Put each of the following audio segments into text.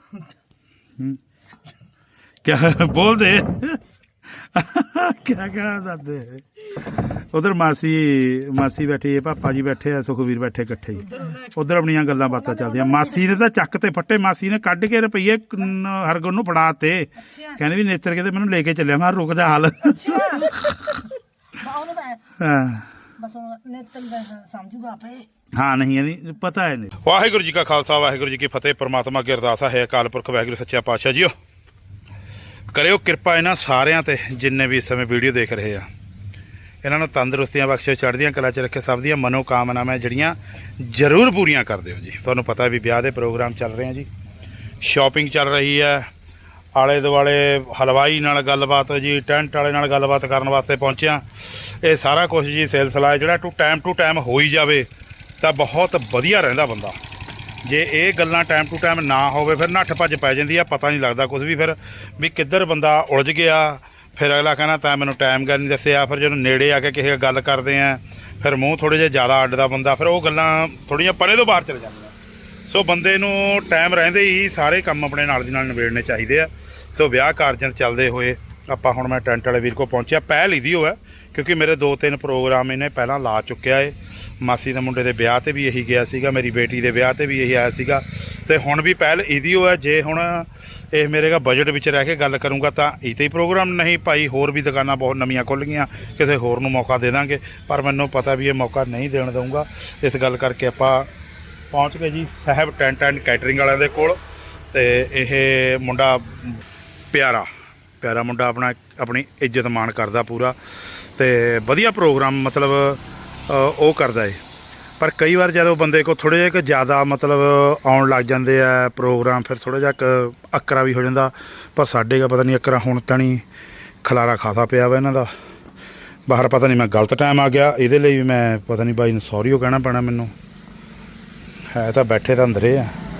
क्या बोल दे क्या कहना दादे उधर मासी मासी बैठी है पापा जी बैठे है सुखवीर बैठे इकट्ठे ही उधर अपनियां गल्लां बातां चलदियां मासी ने तो चक ते फट्टे मासी ने कढ़ के रुपये हरगुन नूं फड़ाते कहंदी भी नेत्र के मैनूं लेके चलिया मैं रुक जा हाल हाँ नहीं पता है नहीं। वाहिगुरू जी का खालसा वाहिगुरू जी की फतेह। परमात्मा की अरदास है अकाल पुरख वाहिगुरू सच्चा पातशाह जीओ करियो किरपा इन्हां सारियां ते जिन्ने भी इस समय वीडियो देख रहे हैं इन्हां नूं तंदुरुस्तियां बख्शे चढ़दियां कला च रखे सब दियां मनोकामनावां जिहड़ियां जरूर पूरियां कर दिओ जी। तुहानूं पता भी ब्याह दे प्रोग्राम चल रहे हैं जी शॉपिंग चल रही है आले दुआले हलवाई नाल गलबात जी टेंट वाले नाल गलबात करन वास्ते पहुंचे ये सारा कुछ जी सिलसिला है जिहड़ा टू टाइम हो ही जाए तो बहुत वधिया रहिंदा बंदा जे ये गल्लां टाइम टू टाइम ना होवे फिर नट्ठ भज पै जांदी है पता नहीं लगता कुछ भी फिर भी किधर बंदा उलझ गया फिर अगला कहना तैं मैनूं टाइम गल नहीं दस्सिया फिर जो नेड़े आके किसी गल करते हैं फिर मूँह थोड़े जे ज़्यादा अड्डदा बंदा फिर वो गल्लां थोड़ियां परे तो बाहर चले जांदियां। सो बंदे नूं टाइम रहिंदे ही सारे काम अपने नाल दी नाल निबेड़ने चाहिए। सो ब्याह कारजां चलते हुए आपां हुण मैं टेंट वाले वीर को पहुंचा पहल इहदी हो है क्योंकि मेरे 2-3 प्रोग्राम इन्हें पहलां ला चुक्या है। मासी दे मुंडे दे ब्याह ते भी यही गया सीगा मेरी बेटी दे ब्याह ते भी यही आया सीगा ते हुण भी पहल इहदी हो है जे हुण ये मेरे का बजट विच रह के गल करूँगा तो इते ही प्रोग्राम नहीं भाई होर भी दुकानां बहुत नवीं खुल गईयां किसी होर नूं मौका दे देंगे पर मैनूं पता भी ये मौका नहीं देण दूँगा इस गल करके आपां पहुँच गए जी साहब टेंट एंड कैटरिंग वालियां दे कोल ते इह मुंडा प्यारा प्यारा मुंडा अपना अपनी इज्जत मान करदा पूरा ते वधिया प्रोग्राम मतलब वो करदा है पर कई बार जदों बंदे को थोड़े जिहा ज़्यादा मतलब आउण लग जाते हैं प्रोग्राम फिर थोड़ा जिहा अकरा भी हो जाता पर साडे का पता नहीं अकरा हुण तां नहीं खलारा खासा पिया वा इन्हां दा बाहर पता नहीं मैं गलत टाइम आ गया इहदे लई भी मैं पता नहीं बाई नूं सॉरी हो कहना पैना मैनूं है तो बैठे तो अंदर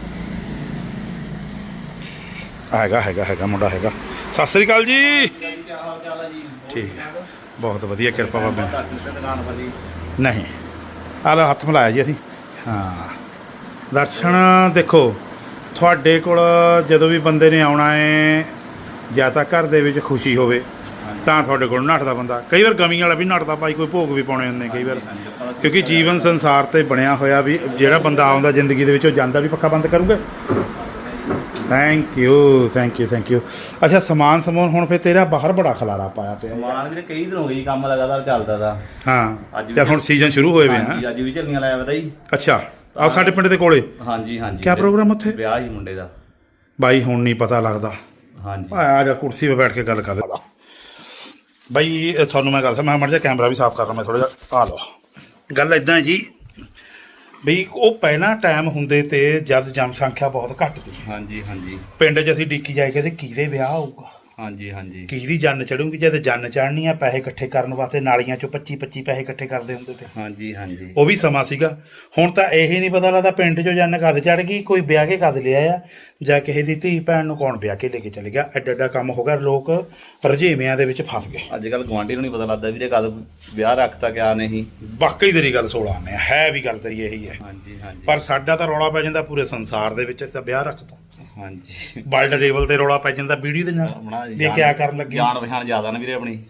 हैगा हैगा हैगा मुंडा हैगा। सत श्री अकाल जी ठीक है बहुत वधिया किरपा बाबे नहीं आला हत्थ मिलाया जी असीं हाँ दर्शन देखो तुहाडे कोल जदों भी बंदे ने आउणा है जां तां घर दे विच खुशी होवे तां तुहाडे कोल नੱਠਦਾ बंदा कई बार गमी वाला भी नੱਠਦਾ भाई कोई भोग भी पाउणे हुंदे कई बार क्योंकि जीवन संसार ते बनिया होया भी जिहड़ा बंदा आउंदा जिंदगी दे विच ओह जांदा भी पक्का बंद करूंगे। Thank you thank you thank you. अच्छा समान समून हुण फिर तेरा बाहर बड़ा खलारा पाया पिया समान भी कई दिन हो गए काम लगातार चलदा दा हाँ ते हुण सीजन शुरू होए वे हैं अज भी झल्लियां लाया पता जी। अच्छा आ साडे पिंड दे कोले हाँ जी हाँ जी क्या प्रोग्राम उत्थे ब्याह ही मुंडे दा बाई हुण नहीं पता लगदा हाँ जी आ जा कुर्सी पे बैठ के गल कर बई तुहानूं मैं गल मैं मड़ जा कैमरा भी साफ कर रहा मैं थोड़ा जिहा आ लो गल इदां जी बई ਉਹ ਪਹਿਲਾਂ ਟਾਈਮ ਹੁੰਦੇ ਤੇ ਜਦ ਜਨਸੰਖਿਆ ਬਹੁਤ ਘੱਟ ਸੀ हाँ जी हाँ जी ਪਿੰਡ 'ਚ ਅਸੀਂ ਡੀਕੀ ਜਾਏ ਕਿ ਕਿਹਦੇ ਵਿਆਹ ਹੋਊਗਾ हाँ जी हाँ जी ਕਿਹਦੀ ਜੰਨ ਚੜੂਗੀ ਜਦ ਜੰਨ ਚੜ੍ਹਨੀ ਆ ਪੈਸੇ ਇਕੱਠੇ ਕਰਨ ਵਾਸਤੇ ਨਾਲੀਆਂ 'ਚੋਂ 25 ਪੈਸੇ ਇਕੱਠੇ ਕਰਦੇ ਹੁੰਦੇ ਤੇ हाँ जी हाँ जी ਉਹ ਵੀ ਸਮਾਂ ਸੀਗਾ। ਹੁਣ ਤਾਂ ਇਹ ਨਹੀਂ ਪਤਾ ਲੱਗਦਾ ਪਿੰਡ 'ਚੋਂ ਜੰਨ ਕਦ ਚੜ੍ਹ ਗਈ ਕੋਈ ਵਿਆਹ ਕੇ ਕਦ ਲਿਆ ਆ ਜਾਂ ਕਿਸੇ ਦੀ ਧੀ ਭੈਣ ਨੂੰ ਕੌਣ ਵਿਆਹ ਕੇ ਲੈ ਕੇ ਚਲੇ ਗਿਆ ਐਡਾ ਐਡਾ ਕੰਮ ਹੋ ਗਿਆ ਲੋਕ ਰਜੇਵਿਆਂ ਦੇ ਵਿੱਚ ਫਸ ਗਏ। ਅੱਜ ਕੱਲ੍ਹ ਗੁਆਂਢੀ ਨੂੰ ਨਹੀਂ ਪਤਾ ਲੱਗਦਾ ਵੀਰੇ ਕਦ ਵਿਆਹ ਰੱਖਤਾ ਕਿਆ ਨਹੀਂ ਵਾਕਈ ਤੇਰੀ ਗੱਲ 16 ਆਨੇ ਹੈ ਵੀ ਗੱਲ ਤੇਰੀ ਇਹੀ ਹੈ हाँ जी हाँ जी ਪਰ ਸਾਡਾ ਤਾਂ ਰੌਲਾ ਪੈ ਜਾਂਦਾ ਪੂਰੇ ਸੰਸਾਰ ਦੇ ਵਿੱਚ ਤਾਂ ਵਿਆਹ ਰੱਖਤਾ हाँ जी ਵਰਲਡ ਲੈਵਲ ਤੇ ਰੌਲਾ ਪੈ ਜਾਂਦਾ ਵੀਡੀਓ ਦੇ ਨਾਲ ਵੀ ਕਿਆ ਕਰਨ ਲੱਗੇ ਜਾਣ ਪਛਾਣ ਜ਼ਿਆਦਾ ਨਾ ਵੀਰੇ ਆਪਣੀ